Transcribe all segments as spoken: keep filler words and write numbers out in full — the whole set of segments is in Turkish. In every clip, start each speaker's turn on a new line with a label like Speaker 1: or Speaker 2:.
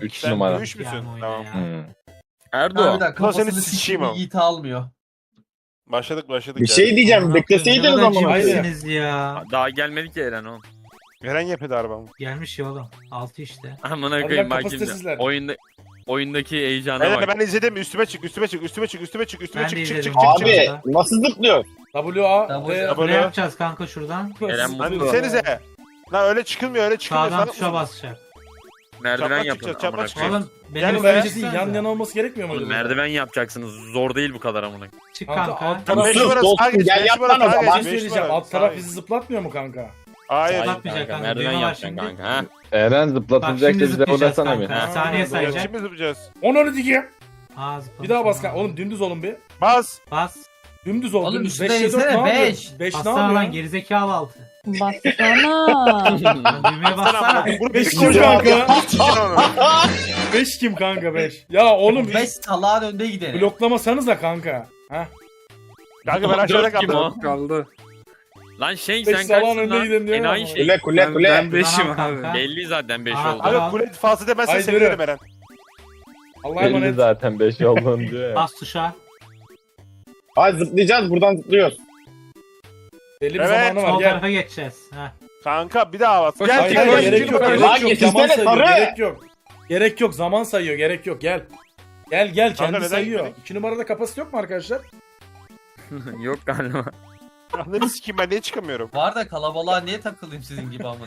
Speaker 1: üç
Speaker 2: Sen
Speaker 1: numara.
Speaker 2: dövüş müsün?
Speaker 3: Yani oyna
Speaker 2: Tamam.
Speaker 3: ya.
Speaker 1: Hmm.
Speaker 4: Erdo.
Speaker 2: Ulan
Speaker 5: Harbiden
Speaker 2: seni
Speaker 5: kafasını
Speaker 2: sıçayım
Speaker 5: sikeyim
Speaker 2: ama.
Speaker 5: Yiğit almıyor.
Speaker 2: Başladık başladık.
Speaker 6: Bir şey diyeceğim.
Speaker 3: Amına koyayım,
Speaker 6: Bekleseydiniz
Speaker 3: ne kadar
Speaker 6: ama.
Speaker 3: cimrisiniz ya.
Speaker 4: Daha gelmedi ki Eren oğlum.
Speaker 2: Eren yapıyordu arabamı.
Speaker 3: Gelmiş ya oğlum. Altı işte.
Speaker 4: Amına
Speaker 7: Hadi
Speaker 4: koyayım
Speaker 7: lan
Speaker 4: bak şimdi.
Speaker 7: kapasitesizler.
Speaker 4: Oyunda oyundaki heyecana
Speaker 2: Eren
Speaker 4: bak.
Speaker 2: ben izledim. Üstüme çık, üstüme çık, üstüme çık, üstüme çık, üstüme
Speaker 3: Ben
Speaker 2: çık,
Speaker 3: de
Speaker 2: çık, çık, çık,
Speaker 3: izledim.
Speaker 2: çık.
Speaker 6: Abi
Speaker 3: Çık.
Speaker 6: nasıl zıplıyor?
Speaker 7: W A
Speaker 5: W-
Speaker 7: D-
Speaker 2: W-
Speaker 3: Ne yapacağız kanka şuradan?
Speaker 4: Eren
Speaker 2: Hani
Speaker 4: mutlu.
Speaker 2: desenize. Lan öyle çıkılmıyor, öyle çıkılmıyor.
Speaker 3: Sağdan
Speaker 2: Salak
Speaker 3: tuşa
Speaker 2: mısın?
Speaker 3: basacak.
Speaker 4: Merdiven
Speaker 2: Çapraz
Speaker 4: yapın.
Speaker 2: çıkacağız, çapraz
Speaker 4: amına
Speaker 2: çıkacağız.
Speaker 4: koyayım.
Speaker 3: Oğlum
Speaker 2: Yani
Speaker 3: benim
Speaker 7: bence
Speaker 3: bence
Speaker 7: değil, yan yana olması gerekmiyor mu?
Speaker 4: Oğlum
Speaker 7: acaba?
Speaker 4: merdiven yapacaksınız. Zor değil bu kadar amına.
Speaker 3: Çık
Speaker 7: Kanka,
Speaker 3: kanka.
Speaker 7: alt
Speaker 2: Lan beş
Speaker 6: Sus,
Speaker 2: numara
Speaker 6: dostum,
Speaker 2: sağa geç,
Speaker 6: gel
Speaker 2: beş
Speaker 6: yap
Speaker 2: numara
Speaker 6: lan o
Speaker 2: sağa
Speaker 6: zaman.
Speaker 7: Bir
Speaker 2: geç,
Speaker 7: şey
Speaker 2: beş
Speaker 7: söyleyeceğim.
Speaker 2: numara
Speaker 7: Alt taraf
Speaker 2: sağa
Speaker 7: bizi
Speaker 2: geç.
Speaker 7: zıplatmıyor mu kanka?
Speaker 2: Hayır.
Speaker 4: Hayır
Speaker 3: Zıplatmayacak
Speaker 4: kanka.
Speaker 3: kanka,
Speaker 4: Merdiven
Speaker 3: düğme var
Speaker 4: yapacaksın
Speaker 3: şimdi.
Speaker 4: kanka. Ha.
Speaker 1: Eren
Speaker 3: Bak
Speaker 1: zıplatılacak
Speaker 3: şimdi
Speaker 1: bize
Speaker 3: zıplayacağız
Speaker 1: oynasana bir.
Speaker 3: kanka.
Speaker 7: Ha,
Speaker 3: Saniye
Speaker 7: doğru.
Speaker 3: sayacak.
Speaker 2: Şimdi zıplayacağız.
Speaker 7: On onu dikeyim.
Speaker 3: Aa zıplamış.
Speaker 7: Bir daha bas kanka. Oğlum dümdüz olun bir.
Speaker 2: Bas.
Speaker 3: Bas.
Speaker 7: Dümdüz ol.
Speaker 5: Oğlum
Speaker 7: dümdüz.
Speaker 5: üstüne
Speaker 7: Beşe dört
Speaker 5: insene,
Speaker 7: ne yapıyor?
Speaker 5: beş.
Speaker 7: Beş ne
Speaker 3: Bassana lan
Speaker 7: yapıyor?
Speaker 3: gerizekalı altı.
Speaker 8: Bassana.
Speaker 3: Lan düğmeye bassana.
Speaker 2: Bunu
Speaker 7: Beş
Speaker 2: bir
Speaker 7: kim
Speaker 2: koyacağım.
Speaker 7: kanka? Beş kim kanka beş? Ya oğlum
Speaker 5: beş salağın önde gidelim.
Speaker 7: bloklamasanıza kanka. Ha?
Speaker 2: Kanka ben aşağıda
Speaker 4: Dört kim
Speaker 2: kaldım.
Speaker 4: o?
Speaker 9: Kaldı.
Speaker 4: Lan şey
Speaker 7: Beş
Speaker 4: sen
Speaker 7: salağın
Speaker 4: kaçsın
Speaker 7: önde
Speaker 4: lan?
Speaker 7: gidelim diyor
Speaker 4: Enayi
Speaker 7: ama.
Speaker 4: şey.
Speaker 6: Kule kule
Speaker 9: Ben,
Speaker 6: kule.
Speaker 9: ben beşim
Speaker 3: Tamam
Speaker 9: abi.
Speaker 3: kanka.
Speaker 4: Belli zaten beş
Speaker 3: Aa,
Speaker 4: oldu.
Speaker 3: tamam.
Speaker 2: Abi kule falsı demezsen
Speaker 7: Haydi
Speaker 2: sevinirim
Speaker 7: yürü.
Speaker 2: Eren.
Speaker 7: Allah'a
Speaker 1: Belli
Speaker 7: emanet.
Speaker 1: zaten beş olduğunu diyor ya.
Speaker 3: Bas tuşa.
Speaker 6: Hadi zıplayacağız. Buradan zıplıyoruz.
Speaker 7: Belli bir
Speaker 2: Evet,
Speaker 7: zamanı var.
Speaker 3: Sol
Speaker 7: Gel.
Speaker 3: tarafa geçeceğiz. Heh.
Speaker 2: Kanka bir daha bas. Gel
Speaker 7: Hayır,
Speaker 2: gel
Speaker 7: hayır,
Speaker 2: gel.
Speaker 7: gerek
Speaker 2: İkinci
Speaker 7: yok.
Speaker 2: numara.
Speaker 7: Gerek
Speaker 6: Lan
Speaker 7: yok.
Speaker 6: getirsene,
Speaker 7: Zaman sayıyor.
Speaker 6: sarı.
Speaker 7: Gerek yok. Gerek yok. Zaman sayıyor. Gerek yok. Gel. Gel gel.
Speaker 2: Kanka,
Speaker 7: Kendi
Speaker 2: neden
Speaker 7: sayıyor.
Speaker 2: gitmedik?
Speaker 7: İki numarada kapasite yok mu arkadaşlar?
Speaker 4: Yok galiba.
Speaker 2: Anladın sikeyim ben niye çıkamıyorum?
Speaker 5: Var da kalabalığa niye takılayım sizin gibi amına?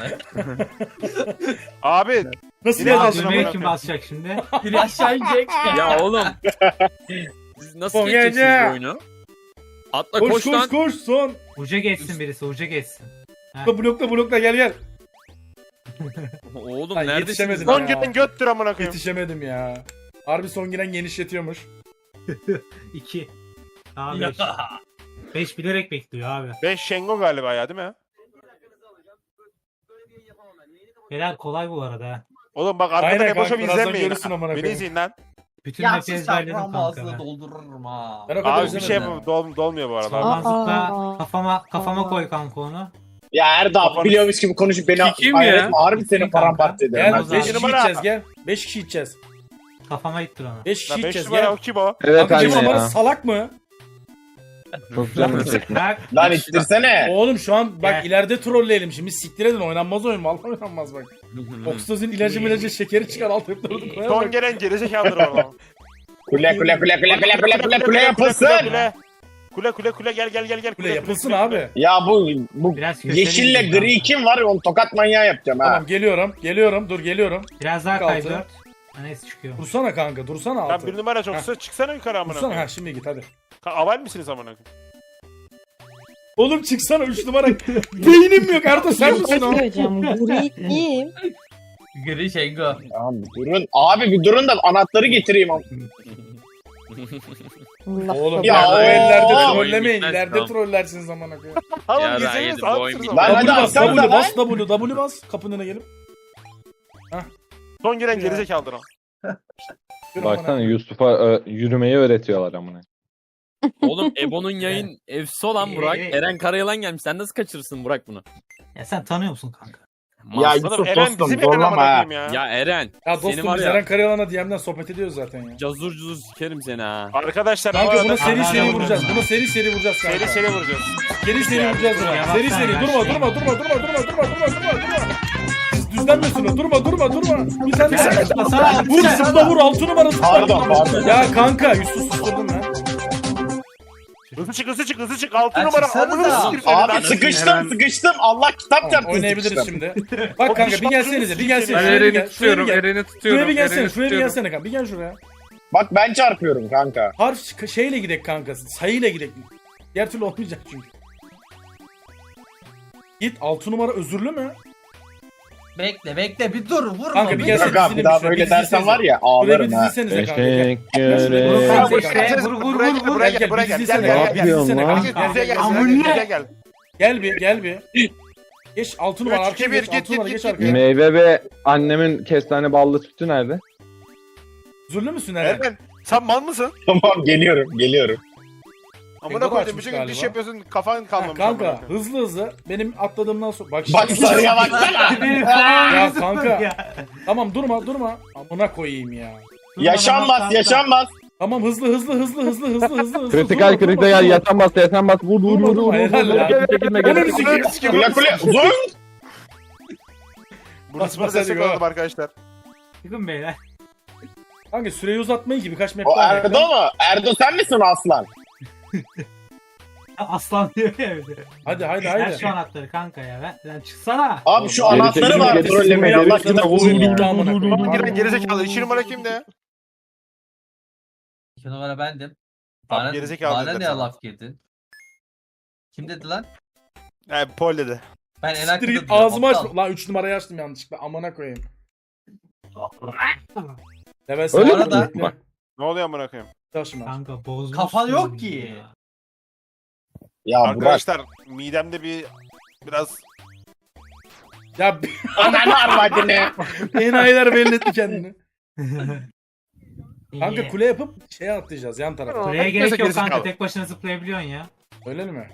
Speaker 2: Abi
Speaker 7: Nasıl
Speaker 2: Bir daha
Speaker 3: Aa,
Speaker 7: geleceksin?
Speaker 2: Amına
Speaker 3: düğmeye
Speaker 2: koyayım.
Speaker 3: kim basacak şimdi?
Speaker 5: Biri aşağı inecek.
Speaker 4: Ya oğlum. Siz nasıl
Speaker 7: Son
Speaker 4: geçeceksiniz
Speaker 7: gece.
Speaker 4: bu oyunu? Atla
Speaker 7: Koş
Speaker 4: koş,
Speaker 7: koş
Speaker 4: lan.
Speaker 7: koş son.
Speaker 3: Uca geçsin birisi uca geçsin.
Speaker 7: Blokla blokla blokla gel gel.
Speaker 4: Oğlum
Speaker 7: Ay,
Speaker 4: neredesiniz
Speaker 7: yetişemedim.
Speaker 4: lan?
Speaker 2: son giren göttür amına koyayım.
Speaker 7: Yetişemedim ya. Harbi son giren genişletiyormuş.
Speaker 3: iki. Daha beş. beş bilerek bekliyor abi.
Speaker 2: beş Şengo galiba ya değil mi?
Speaker 3: Helal kolay bu arada. ha.
Speaker 2: Oğlum bak arkadan
Speaker 7: Aynen
Speaker 2: Eboş'um
Speaker 7: kanka, birazdan
Speaker 2: izlenmeyin.
Speaker 7: görürsün amına
Speaker 2: Beni
Speaker 7: koyayım.
Speaker 2: izleyin lan.
Speaker 3: Bütün
Speaker 5: Ya
Speaker 3: map'i
Speaker 5: siz
Speaker 3: ezberledim
Speaker 5: çarpmam
Speaker 3: kanka
Speaker 5: ağzını
Speaker 3: ben.
Speaker 5: doldururum ha.
Speaker 7: Ben o kadar
Speaker 2: Abi bir şey
Speaker 7: izlemedim.
Speaker 2: yapamam. Dol, dolmuyor bu arada.
Speaker 3: Soldan
Speaker 8: Aa.
Speaker 3: zıpla kafama kafama koy kanka onu.
Speaker 6: Ya Erdal
Speaker 2: Kafanı-
Speaker 6: biliyormuş gibi konuşup beni
Speaker 9: Kim
Speaker 6: hayal
Speaker 9: ya?
Speaker 6: etme. Harbi senin
Speaker 3: Kim
Speaker 6: paramparça ederim.
Speaker 7: Gel
Speaker 6: ben
Speaker 3: o
Speaker 7: beş
Speaker 3: zaman.
Speaker 6: seni.
Speaker 7: kişi
Speaker 2: numara.
Speaker 7: gideceğiz gel. beş kişi gideceğiz.
Speaker 3: Kafama ittir onu.
Speaker 7: beş kişi
Speaker 2: Lan beş
Speaker 7: gideceğiz
Speaker 2: numara
Speaker 7: gel.
Speaker 2: o kim o?
Speaker 1: Evet
Speaker 7: Kanka
Speaker 1: anne
Speaker 7: numara
Speaker 1: ya.
Speaker 7: salak mı?
Speaker 1: Çok canım çekti.
Speaker 3: Bak
Speaker 6: Lan ittirsene.
Speaker 7: Oğlum şu an bak
Speaker 3: Gel.
Speaker 7: ileride trolleyelim şimdi siktir edin oynanmaz oyun vallahi oynanmaz bak. Oksitozin ilacı milacı şekeri çıkar alt hepleri koyar
Speaker 2: Son
Speaker 7: bak.
Speaker 2: gelen gerizekalıdır orada.
Speaker 6: Kule kule kule kule kule kule kule kule yapılsın.
Speaker 2: Kule kule kule kule gel gel gel gel.
Speaker 7: Kule yapılsın abi.
Speaker 6: Ya bu bu
Speaker 3: Biraz köşeli
Speaker 6: yeşille
Speaker 3: gidin
Speaker 6: gri
Speaker 3: kanka.
Speaker 6: kim var? Onu tokat manyağı yapacağım ha.
Speaker 7: Tamam geliyorum geliyorum dur geliyorum.
Speaker 3: Biraz daha
Speaker 7: Altı.
Speaker 3: kay dört. Ha, neyse çıkıyor.
Speaker 7: Dursana kanka dursana
Speaker 2: Lan
Speaker 7: altı.
Speaker 2: bir numara çoksa çıksana yukarı amına
Speaker 7: Dursana ha
Speaker 2: koyayım.
Speaker 7: şimdi git hadi.
Speaker 2: Ka- Aval misiniz amına koyayım?
Speaker 7: Oğlum çıksana üç numara. Beynim yok Erdo sen
Speaker 8: Bir
Speaker 7: misin
Speaker 8: şey
Speaker 7: o?
Speaker 8: söyleyeceğim. Gri kim?
Speaker 5: Gri Şengo.
Speaker 6: Tamam bir durun. Abi bir durun da anahtarı getireyim.
Speaker 8: Allah
Speaker 7: Oğlum
Speaker 6: Ya
Speaker 7: ya, o
Speaker 6: o-
Speaker 7: ellerde
Speaker 4: Oyun
Speaker 7: trollemeyin.
Speaker 4: bitmez,
Speaker 7: İleride
Speaker 4: tamam.
Speaker 7: trollersiniz zamana koyayım.
Speaker 2: Oğlum
Speaker 4: Ya,
Speaker 2: gitseniz
Speaker 4: yedim, bu
Speaker 2: sağ
Speaker 4: oyun
Speaker 2: mısınız?
Speaker 6: Lan hadi
Speaker 7: W bas
Speaker 6: alsana
Speaker 7: W
Speaker 6: lan.
Speaker 7: bas W W bas kapının önüne gelip.
Speaker 2: Son giren
Speaker 7: Ya.
Speaker 2: gerizekalıdır o.
Speaker 7: Yürü
Speaker 1: Baksana
Speaker 7: amına.
Speaker 1: Yusuf'a e, yürümeyi öğretiyorlar amına.
Speaker 4: Oğlum Ebo'nun yayın efsi olan Burak.
Speaker 3: Ee,
Speaker 4: Eren Karayalan gelmiş. Sen nasıl kaçırırsın Burak bunu?
Speaker 3: Ya sen tanıyor musun kanka?
Speaker 6: Ya
Speaker 4: Mas-
Speaker 6: Yusuf
Speaker 2: Eren
Speaker 6: dostum
Speaker 2: bizim Eren amına
Speaker 6: zorlama ha.
Speaker 2: koyayım ya.
Speaker 4: Ya Eren.
Speaker 7: Ya
Speaker 4: Seni
Speaker 7: dostum
Speaker 4: var
Speaker 7: biz
Speaker 4: ya.
Speaker 7: Eren Karayalan'a D M'den sohbet ediyoruz zaten ya.
Speaker 4: Cazur cuzur sikerim seni ha.
Speaker 2: Arkadaşlar bu
Speaker 7: Kanka
Speaker 2: arada
Speaker 7: buna seri
Speaker 3: Hala
Speaker 7: seri
Speaker 3: vurma.
Speaker 7: vuracağız. Buna seri seri vuracağız kanka.
Speaker 2: seri seri vuracağız.
Speaker 7: Seri seri vuracağız buna.
Speaker 3: Ya
Speaker 7: Seri
Speaker 3: baksana
Speaker 7: seri
Speaker 3: ya,
Speaker 7: durma
Speaker 3: şey.
Speaker 7: durma durma durma durma durma durma durma durma. Siz düzlenmiyorsun o. Durma durma durma. Bir tane
Speaker 3: Ya,
Speaker 7: sen.
Speaker 3: zıplasana,
Speaker 7: Vur zıpla vur altı numara zıpla.
Speaker 6: Pardon pardon.
Speaker 7: Ya kanka Yusuf susturdun lan.
Speaker 2: Hızlı çık hızlı çık hızlı çık. Altı
Speaker 5: Ya
Speaker 2: numara
Speaker 5: çıksana
Speaker 2: amına
Speaker 5: da.
Speaker 2: sikeyim seni
Speaker 6: Abi
Speaker 2: lan.
Speaker 6: sıkıştım sıkıştım. Allah kitap
Speaker 7: Tamam,
Speaker 6: çarptı
Speaker 7: oynayabiliriz
Speaker 6: sıkıştım.
Speaker 7: şimdi. Bak kanka bir gelsenize bir gelsene.
Speaker 9: Ben
Speaker 7: Şuraya bir
Speaker 9: Eren'i
Speaker 7: gel. Şuraya bir
Speaker 9: tutuyorum.
Speaker 7: gel.
Speaker 9: Eren'i tutuyorum.
Speaker 7: Şuraya bir gelsene.
Speaker 9: Eren'i
Speaker 7: Şuraya bir
Speaker 9: tutuyorum.
Speaker 7: gelsene kanka. Bir gel şuraya.
Speaker 6: Bak ben çarpıyorum kanka.
Speaker 7: Harf şeyle gidek kanka. Sayıyla gidek. Diğer türlü olmayacak çünkü. Git altı numara özürlü mü?
Speaker 5: Bekle bekle bir dur vurma.
Speaker 7: Kanka bir
Speaker 5: bir
Speaker 7: gelsene.
Speaker 6: Yok abi
Speaker 7: dizinin
Speaker 6: bir daha
Speaker 7: bir
Speaker 6: böyle
Speaker 7: şöyle
Speaker 6: dersen var ya
Speaker 7: Buraya bir
Speaker 6: ağlarım ha.
Speaker 7: dizilsenize kanka. Gel.
Speaker 1: Teşekkür
Speaker 3: Vur
Speaker 1: ederim.
Speaker 3: kanka
Speaker 2: Buraya
Speaker 3: işte.
Speaker 2: gel,
Speaker 3: Vur vur
Speaker 2: buraya
Speaker 3: vur
Speaker 2: gel,
Speaker 3: vur.
Speaker 2: buraya
Speaker 7: Gel,
Speaker 2: gel,
Speaker 7: gel,
Speaker 2: buraya
Speaker 7: bir
Speaker 2: gel,
Speaker 7: dizilsene
Speaker 2: gel,
Speaker 7: kanka,
Speaker 2: gel,
Speaker 7: bir
Speaker 2: gel.
Speaker 7: dizilsene
Speaker 1: lan?
Speaker 7: kanka.
Speaker 2: Yüzeye gel,
Speaker 3: Amına.
Speaker 2: yüzeye gel.
Speaker 7: Gel bir gel bir. Geç altı numara
Speaker 2: Üç,
Speaker 7: arkaya
Speaker 2: iki, bir,
Speaker 7: geç.
Speaker 2: git,
Speaker 7: Altı numara
Speaker 2: git,
Speaker 7: geç
Speaker 2: git,
Speaker 7: arkaya.
Speaker 1: Meyve ve annemin kestane ballı sütü nerede?
Speaker 7: Özürlü müsün Eren?
Speaker 2: Eren sen mal mısın?
Speaker 6: Tamam geliyorum geliyorum.
Speaker 2: Amına
Speaker 7: Cengo
Speaker 2: koydum
Speaker 7: açmış
Speaker 2: bütün gün diş
Speaker 7: galiba.
Speaker 2: yapıyorsun kafan
Speaker 7: Ha,
Speaker 2: kalmamış. amına
Speaker 7: kanka
Speaker 2: koyayım.
Speaker 7: hızlı hızlı benim atladığımdan sonra bak
Speaker 6: Bak
Speaker 7: şimdi-
Speaker 6: sarıya baksana.
Speaker 3: Benim kafama
Speaker 7: Ya
Speaker 3: yüzüm
Speaker 7: kanka.
Speaker 3: ya.
Speaker 7: Tamam durma durma. Amına koyayım ya.
Speaker 6: Yaşanmaz yaşanmaz.
Speaker 7: Tamam hızlı hızlı hızlı hızlı hızlı hızlı hızlı.
Speaker 1: Kritikal
Speaker 7: Durma, durma,
Speaker 1: kritikal
Speaker 7: durma.
Speaker 1: yatan bas yatan bas vur vur
Speaker 7: Durma,
Speaker 1: vur
Speaker 7: durma,
Speaker 1: vur vur.
Speaker 7: helal
Speaker 1: vur.
Speaker 7: ya.
Speaker 1: Gel, gel, gel, gel,
Speaker 7: Ananı
Speaker 1: gel.
Speaker 7: sikeyim.
Speaker 6: Kule kule. Zor.
Speaker 2: Burası
Speaker 7: Bas,
Speaker 2: bana destek
Speaker 7: hadi go.
Speaker 2: olalım arkadaşlar.
Speaker 3: Çıkın beyler.
Speaker 7: Kanka süreyi uzatmayın ki birkaç map
Speaker 6: O
Speaker 7: daha
Speaker 6: Erdo
Speaker 7: bekle.
Speaker 6: mu? Erdo sen misin aslan?
Speaker 3: Aslan diyor ya bir de.
Speaker 7: Hadi hadi
Speaker 3: Ver
Speaker 7: haydi.
Speaker 3: şu anahtarı kanka ya. Ver, sen çıksana.
Speaker 6: Abi şu
Speaker 1: Geri
Speaker 6: anahtarı
Speaker 1: çekilme,
Speaker 6: var
Speaker 1: geri
Speaker 6: trollemeye
Speaker 1: çekilme,
Speaker 6: Allah
Speaker 1: geri çekilme.
Speaker 6: kitap olsun ya.
Speaker 7: Gitti amına koyayım.
Speaker 2: Ulan giren gerizekalı. İki numara kimde?
Speaker 5: İki numara bendim.
Speaker 2: Abi
Speaker 5: Bana,
Speaker 2: gerizekalı
Speaker 5: bana
Speaker 2: dediler
Speaker 5: ne
Speaker 2: sana.
Speaker 5: laf girdin? Kim dedi lan?
Speaker 2: He Paul dedi.
Speaker 5: Ben en arkada
Speaker 7: Street
Speaker 5: duruyorum,
Speaker 7: ağzımı
Speaker 5: aptal.
Speaker 7: açtım. Lan üç numarayı açtım yanlışlıkla. Amına koyayım. Level
Speaker 5: Öyle
Speaker 7: sen-
Speaker 5: mi?
Speaker 7: Bekle.
Speaker 1: Bak.
Speaker 2: Ne oluyor amına koyayım?
Speaker 7: Taşıma.
Speaker 3: Kanka bozmuş.
Speaker 5: Kafan yok ki.
Speaker 6: Ya Burak.
Speaker 2: Arkadaşlar midemde bir biraz
Speaker 7: Ya
Speaker 6: Ananı arvadını.
Speaker 7: enayiler belli etti kendini. Kanka
Speaker 3: İyi.
Speaker 7: kule yapıp şeye atlayacağız yan tarafa.
Speaker 3: Kuleye
Speaker 2: Herkese
Speaker 3: gerek yok
Speaker 2: gerizekalı.
Speaker 3: kanka. Tek başına zıplayabiliyorsun ya.
Speaker 7: Öyle mi?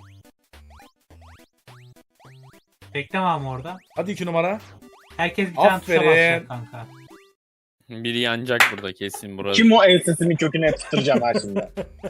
Speaker 3: Bekleme ama orada.
Speaker 7: Hadi iki numara.
Speaker 3: Herkes bir tane tuşa
Speaker 7: Aferin.
Speaker 3: basacak kanka.
Speaker 4: Biri yanacak burada kesin burası.
Speaker 6: Kim o ensesinin köküne tutturacağım ha şimdi.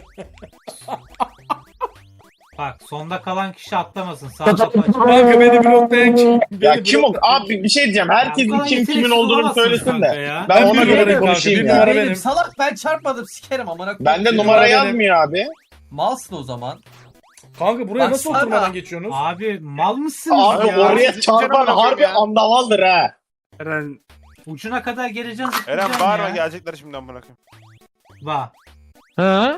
Speaker 3: Bak sonda kalan kişi atlamasın. Sağ kapı açık.
Speaker 7: Kanka beni bloklayan kim?
Speaker 6: Ya
Speaker 7: Beni
Speaker 6: kim o?
Speaker 7: blok-
Speaker 6: Abi bir şey diyeceğim. Herkes
Speaker 3: Ya, bu kadar
Speaker 6: kim kimin
Speaker 3: yeteneksiz
Speaker 6: olduğunu
Speaker 3: olamazsınız
Speaker 6: söylesin
Speaker 3: kanka
Speaker 6: de.
Speaker 3: ya.
Speaker 6: Ben
Speaker 7: Ben
Speaker 6: ona
Speaker 7: bir
Speaker 6: göre
Speaker 7: numarayım
Speaker 6: konuşayım
Speaker 7: kanka, bir
Speaker 6: ya.
Speaker 7: numara
Speaker 5: Benim
Speaker 7: benim.
Speaker 5: salak ben çarpmadım sikerim amına koyayım.
Speaker 6: Bende
Speaker 7: Bir
Speaker 6: numara
Speaker 7: numara benim.
Speaker 6: yazmıyor abi.
Speaker 5: Malsın o zaman.
Speaker 7: Kanka buraya nasıl
Speaker 5: Baksana.
Speaker 7: oturmadan geçiyorsunuz?
Speaker 3: Abi mal mısınız
Speaker 6: Abi
Speaker 3: ya?
Speaker 6: oraya
Speaker 2: Siz
Speaker 6: çarpan
Speaker 2: canım
Speaker 6: harbi
Speaker 2: ya.
Speaker 6: andavaldır ha.
Speaker 9: Eren
Speaker 3: Ucuna kadar geleceğim
Speaker 2: Eren
Speaker 3: zıplayacaksın
Speaker 2: bağırma
Speaker 3: ya.
Speaker 2: gelecekler şimdi amına koyayım.
Speaker 3: Bak.
Speaker 1: Ha?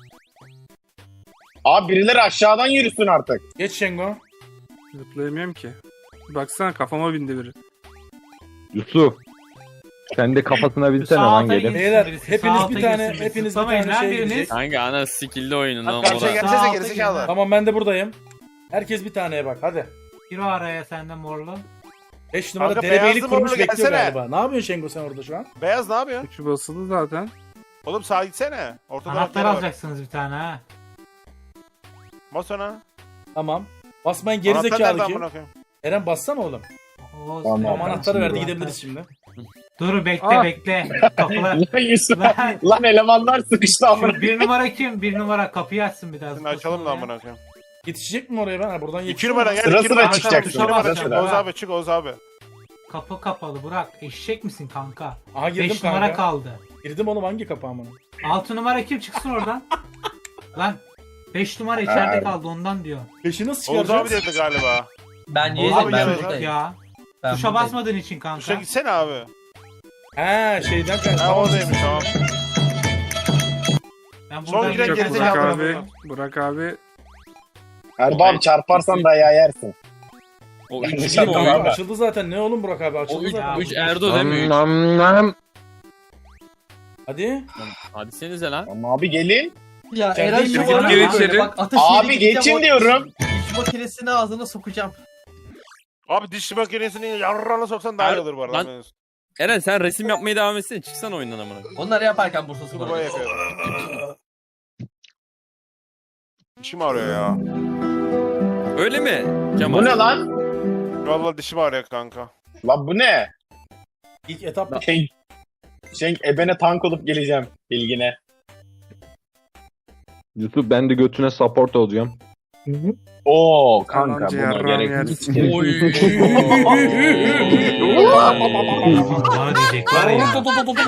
Speaker 6: Abi birileri aşağıdan yürüsün artık.
Speaker 7: Geç Şengo.
Speaker 9: zıplayamıyorum ki. Baksana kafama bindi biri.
Speaker 1: Yusuf. Sen de kafasına
Speaker 3: Sağ
Speaker 1: binsene lan
Speaker 3: alta
Speaker 1: gelin.
Speaker 3: gitsin
Speaker 7: Beyler,
Speaker 3: birisi,
Speaker 7: hepiniz
Speaker 3: sağ alta
Speaker 7: bir tane-
Speaker 3: gitsin birisi.
Speaker 7: hepiniz bir
Speaker 3: Zıplamayın
Speaker 7: tane
Speaker 3: lan
Speaker 7: şey
Speaker 3: biriniz.
Speaker 7: gidecek.
Speaker 4: Kanka ana skill'li oyunun
Speaker 2: Abi
Speaker 4: lan
Speaker 2: karşıya
Speaker 4: bura.
Speaker 3: Sağ
Speaker 2: gelsene
Speaker 3: alta
Speaker 2: gerizekalı.
Speaker 3: girin.
Speaker 7: Tamam ben de buradayım. Herkes bir taneye bak hadi.
Speaker 3: Gir o araya sende morlu.
Speaker 7: beş numara
Speaker 2: Kanka,
Speaker 7: derebeylik
Speaker 2: beyazlı
Speaker 7: kurmuş
Speaker 2: morlu
Speaker 7: bekliyor
Speaker 2: gelsene.
Speaker 7: galiba. Ne yapıyorsun Şengo sen orada şu an?
Speaker 2: Beyaz ne yapıyor?
Speaker 9: Üçü basılı zaten.
Speaker 2: Oğlum sağa gitsene. Ortada
Speaker 3: Anahtar
Speaker 2: var.
Speaker 3: alacaksınız bir tane ha.
Speaker 2: Bas ona.
Speaker 7: Tamam. Basmayın
Speaker 2: Anahtar nerede
Speaker 7: gerizekalı kim?
Speaker 2: amına koyayım?
Speaker 7: Eren bassana oğlum.
Speaker 3: O-
Speaker 6: Tamam.
Speaker 7: Tamam anahtarı verdi
Speaker 3: Anahtar.
Speaker 7: gidebiliriz şimdi.
Speaker 3: Dur bekle
Speaker 9: Ah.
Speaker 3: bekle. Kapılar.
Speaker 6: Lan Yusuf.
Speaker 3: Lan,
Speaker 6: Lan elemanlar sıkıştı amına.
Speaker 3: şu bir numara kim? Bir numara kapıyı açsın biraz.
Speaker 2: Şimdi açalım da amına koyayım.
Speaker 7: Yetişecek mi oraya ben? Ha, buradan
Speaker 2: İki
Speaker 7: yetişiyor
Speaker 2: numara
Speaker 7: mu?
Speaker 2: gel.
Speaker 6: Sıra
Speaker 2: iki
Speaker 6: sıra
Speaker 2: numara.
Speaker 6: çıkacaksın,
Speaker 2: İki numara
Speaker 3: sıra
Speaker 2: çık.
Speaker 3: sıra.
Speaker 2: Oğuz abi çık Oğuz abi.
Speaker 3: Kapı kapalı Burak. Eşek misin kanka?
Speaker 7: Aha girdim
Speaker 3: beş
Speaker 7: kanka.
Speaker 3: numara kaldı.
Speaker 7: Girdim oğlum hangi kapı amına?
Speaker 3: altı numara kim çıksın oradan? Lan beş numara içeride
Speaker 6: Ha.
Speaker 3: kaldı ondan diyor.
Speaker 7: Beşi nasıl
Speaker 2: Oğuz abi
Speaker 7: çıkaracağız?
Speaker 2: dedi galiba.
Speaker 5: Ben
Speaker 3: Oğuz
Speaker 5: yedim
Speaker 2: abi
Speaker 5: ben
Speaker 2: gel
Speaker 5: buradayım.
Speaker 3: Ya.
Speaker 5: Ben
Speaker 3: Tuşa
Speaker 5: buradayım.
Speaker 3: basmadığın için
Speaker 2: Tuşa
Speaker 3: kanka.
Speaker 2: gitsene abi.
Speaker 7: He şeyden kanka.
Speaker 2: Ha
Speaker 7: Tamam.
Speaker 2: oradaymış tamam.
Speaker 3: Ben
Speaker 2: Son
Speaker 3: buradan
Speaker 2: giren
Speaker 9: Çok
Speaker 3: geçeceğim.
Speaker 2: gerizekalı.
Speaker 9: Burak
Speaker 2: Gerizekalı
Speaker 9: abi.
Speaker 2: bunu.
Speaker 9: Burak abi.
Speaker 6: Erbağım çarparsan dayağı yersin.
Speaker 4: O
Speaker 6: Ben de
Speaker 4: üç değil mi
Speaker 6: şarkı
Speaker 4: o?
Speaker 6: var.
Speaker 7: Kanka açıldı zaten ne oğlum Burak abi
Speaker 4: O
Speaker 7: açıldı
Speaker 4: üç,
Speaker 7: zaten.
Speaker 4: üç Erdo değil mi?
Speaker 1: Nam, nam.
Speaker 7: Hadi.
Speaker 4: Hadi senize lan.
Speaker 6: Ama abi gelin.
Speaker 5: Ya
Speaker 7: Sen
Speaker 5: Eren
Speaker 7: değil
Speaker 5: şu
Speaker 7: mi?
Speaker 5: an
Speaker 9: Gir
Speaker 5: böyle
Speaker 9: içeri.
Speaker 5: bak ateş
Speaker 6: Abi
Speaker 5: yedi gideceğim,
Speaker 6: geçin
Speaker 5: o
Speaker 6: diyorum.
Speaker 5: diş makinesini ağzına sokacağım.
Speaker 2: Abi diş makinesini yarrağına soksan daha iyi olur bu arada.
Speaker 4: Lan- Eren sen resim yapmaya devam etsene. Çıksana oyundan amına.
Speaker 5: Onları yaparken Bursa
Speaker 2: Bunu
Speaker 5: Spor'a.
Speaker 2: böyle yapıyor. Dişim ağrıyor ya.
Speaker 4: Öyle mi? Kemal.
Speaker 6: Bu ne lan?
Speaker 2: Vallahi dişim ağrıyor kanka.
Speaker 6: Lan bu ne?
Speaker 7: İlk etap
Speaker 6: Şey, şey ebene tank olup geleceğim bilgine.
Speaker 1: Yusuf ben de götüne support olacağım.
Speaker 6: Oo kanka
Speaker 9: Yalancı
Speaker 6: buna
Speaker 9: yarrağım
Speaker 6: gerek
Speaker 9: yersin.
Speaker 6: yok.
Speaker 4: Oy.
Speaker 3: Bana diyecek var ya.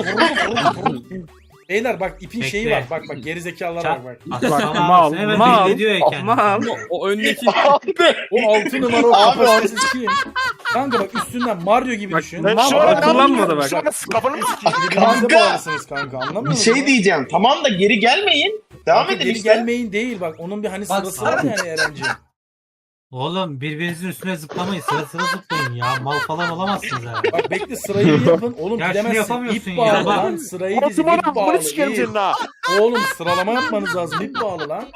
Speaker 7: Beyler bak ipin
Speaker 3: Bekle.
Speaker 7: şeyi var. Bak bak gerizekalılara bak bak.
Speaker 9: Bak
Speaker 3: Tamam,
Speaker 9: mal
Speaker 3: evet,
Speaker 9: mal.
Speaker 3: belli ediyor ya kendini.
Speaker 9: Mal.
Speaker 4: O öndeki
Speaker 6: Abi
Speaker 7: O altı numara o
Speaker 6: Abi
Speaker 7: kapasitesiz kim? Kanka bak üstünden Mario gibi
Speaker 9: Bak,
Speaker 7: düşün.
Speaker 9: ben
Speaker 2: Ben
Speaker 9: şu
Speaker 2: şu
Speaker 9: an
Speaker 2: an ne
Speaker 9: kullanmadı
Speaker 2: yapıyorum?
Speaker 9: bak.
Speaker 2: Şu an kafanı mı sikeyim?
Speaker 7: Birbirinize
Speaker 6: Kanka.
Speaker 7: bağlısınız kanka anlamıyor
Speaker 6: bir
Speaker 7: musun?
Speaker 6: şey diyeceğim. Tamam da geri gelmeyin. Devam
Speaker 7: Kanka
Speaker 6: edin
Speaker 7: geri
Speaker 6: işte.
Speaker 7: gelmeyin değil bak onun bir hani
Speaker 5: Bak,
Speaker 7: sırası var
Speaker 5: sana-
Speaker 7: yani Erenciğim.
Speaker 3: Oğlum birbirinizin üstüne zıplamayın. Sıra sıra zıplayın ya. Mal falan olamazsınız abi.
Speaker 7: Bak bekle sırayı bir yapın. Oğlum
Speaker 3: Ya şunu
Speaker 7: gidemezsin.
Speaker 3: yapamıyorsun
Speaker 7: İp
Speaker 3: ya.
Speaker 7: bağlı
Speaker 3: Bak.
Speaker 7: lan. Sırayı
Speaker 2: Altı
Speaker 7: dizin ip
Speaker 2: numara
Speaker 7: bağlı.
Speaker 2: bunu sikerim
Speaker 7: ip.
Speaker 2: senin ha.
Speaker 7: Oğlum sıralama yapmanız lazım. İp bağlı lan.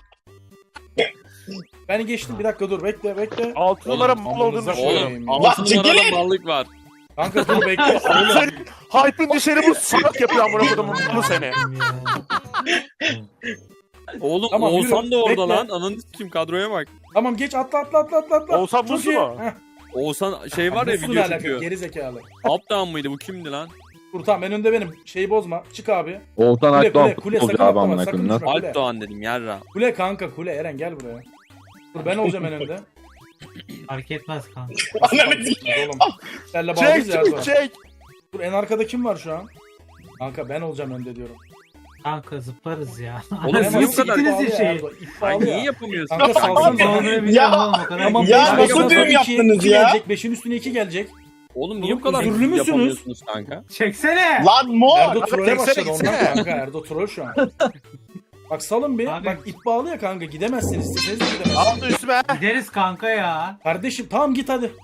Speaker 7: Ben geçtim bir dakika dur bekle bekle.
Speaker 2: Altı numara mal olduğunu
Speaker 7: Amınıza
Speaker 2: düşünüyorum.
Speaker 7: koyayım ya.
Speaker 6: Allah
Speaker 4: altı numarada
Speaker 6: çekilin.
Speaker 4: mallık var.
Speaker 7: Kanka dur bekle. Oğlum.
Speaker 2: Senin hype'ın dışarı bu salak yapıyor amına kodumun bunu seni.
Speaker 4: Oğlum
Speaker 7: Tamam,
Speaker 4: Oğuzhan
Speaker 7: yürü.
Speaker 4: da orada
Speaker 7: Bekle.
Speaker 4: lan. Ananı kim kadroya bak.
Speaker 7: Tamam geç atla atla atla atla. atla.
Speaker 2: Oğuzhan
Speaker 7: Çok
Speaker 2: Buzlu
Speaker 7: iyi.
Speaker 2: mu?
Speaker 7: Heh.
Speaker 4: Oğuzhan şey var ya
Speaker 7: Buzlu ne
Speaker 4: video
Speaker 7: alaka?
Speaker 4: çekiyor.
Speaker 7: Geri zekalı.
Speaker 4: Updown mıydı bu kimdi lan?
Speaker 7: Dur tamam en önde benim. Şeyi bozma. Çık abi.
Speaker 1: Oğuzhan
Speaker 7: Kule
Speaker 1: Akdoğan
Speaker 7: kule kule
Speaker 1: futbolcu
Speaker 7: sakın
Speaker 1: abi
Speaker 7: atlama
Speaker 1: amına
Speaker 7: sakın
Speaker 1: koyayım.
Speaker 7: düşme
Speaker 1: Nasıl?
Speaker 7: kule.
Speaker 4: Alpdoğan dedim yarra.
Speaker 7: Kule kanka kule Eren gel buraya. Dur ben olacağım en önde.
Speaker 3: Fark etmez kanka.
Speaker 6: Ananı sikeyim.
Speaker 7: Oğlum. Senle bağlıyız
Speaker 2: Çek
Speaker 7: ya.
Speaker 2: çek çek.
Speaker 7: Dur en arkada kim var şu an? Kanka ben olacağım önde diyorum.
Speaker 3: Kanka zıplarız ya.
Speaker 4: Oğlum
Speaker 7: Hemen
Speaker 4: niye bu kadar?
Speaker 3: siktiniz
Speaker 7: bağlı
Speaker 3: ya
Speaker 7: ya,
Speaker 3: şeyi.
Speaker 7: Erdo, ip
Speaker 4: Ay
Speaker 7: bağlı
Speaker 4: niye
Speaker 7: ya.
Speaker 4: yapamıyorsun?
Speaker 7: Kanka salsın
Speaker 3: Ne
Speaker 7: bana.
Speaker 3: olduğunu biliyorum
Speaker 6: Ya.
Speaker 3: oğlum o kadar.
Speaker 7: Tamam
Speaker 6: Ya
Speaker 7: beş
Speaker 6: nasıl
Speaker 7: baştan sonra
Speaker 6: düğüm
Speaker 7: iki-
Speaker 6: yaptınız
Speaker 7: iki
Speaker 6: ya?
Speaker 7: Gelecek, beşin üstüne iki gelecek.
Speaker 4: Oğlum niye bu kadar
Speaker 7: Özürlü müsünüz?
Speaker 4: yapamıyorsunuz kanka?
Speaker 3: Çeksene.
Speaker 6: Lan mor.
Speaker 7: Erdo
Speaker 2: Abi
Speaker 7: trolle
Speaker 2: çeksene,
Speaker 7: başladı ondan
Speaker 2: gitsene.
Speaker 7: kanka. Erdo troll şu an. Bak salın bir.
Speaker 3: Abi.
Speaker 7: Bak ip bağlı ya kanka. Gidemezsiniz. İsteseniz de gidemezsiniz.
Speaker 2: Aldı üstüme.
Speaker 3: Gideriz kanka ya.
Speaker 7: Kardeşim tamam git hadi.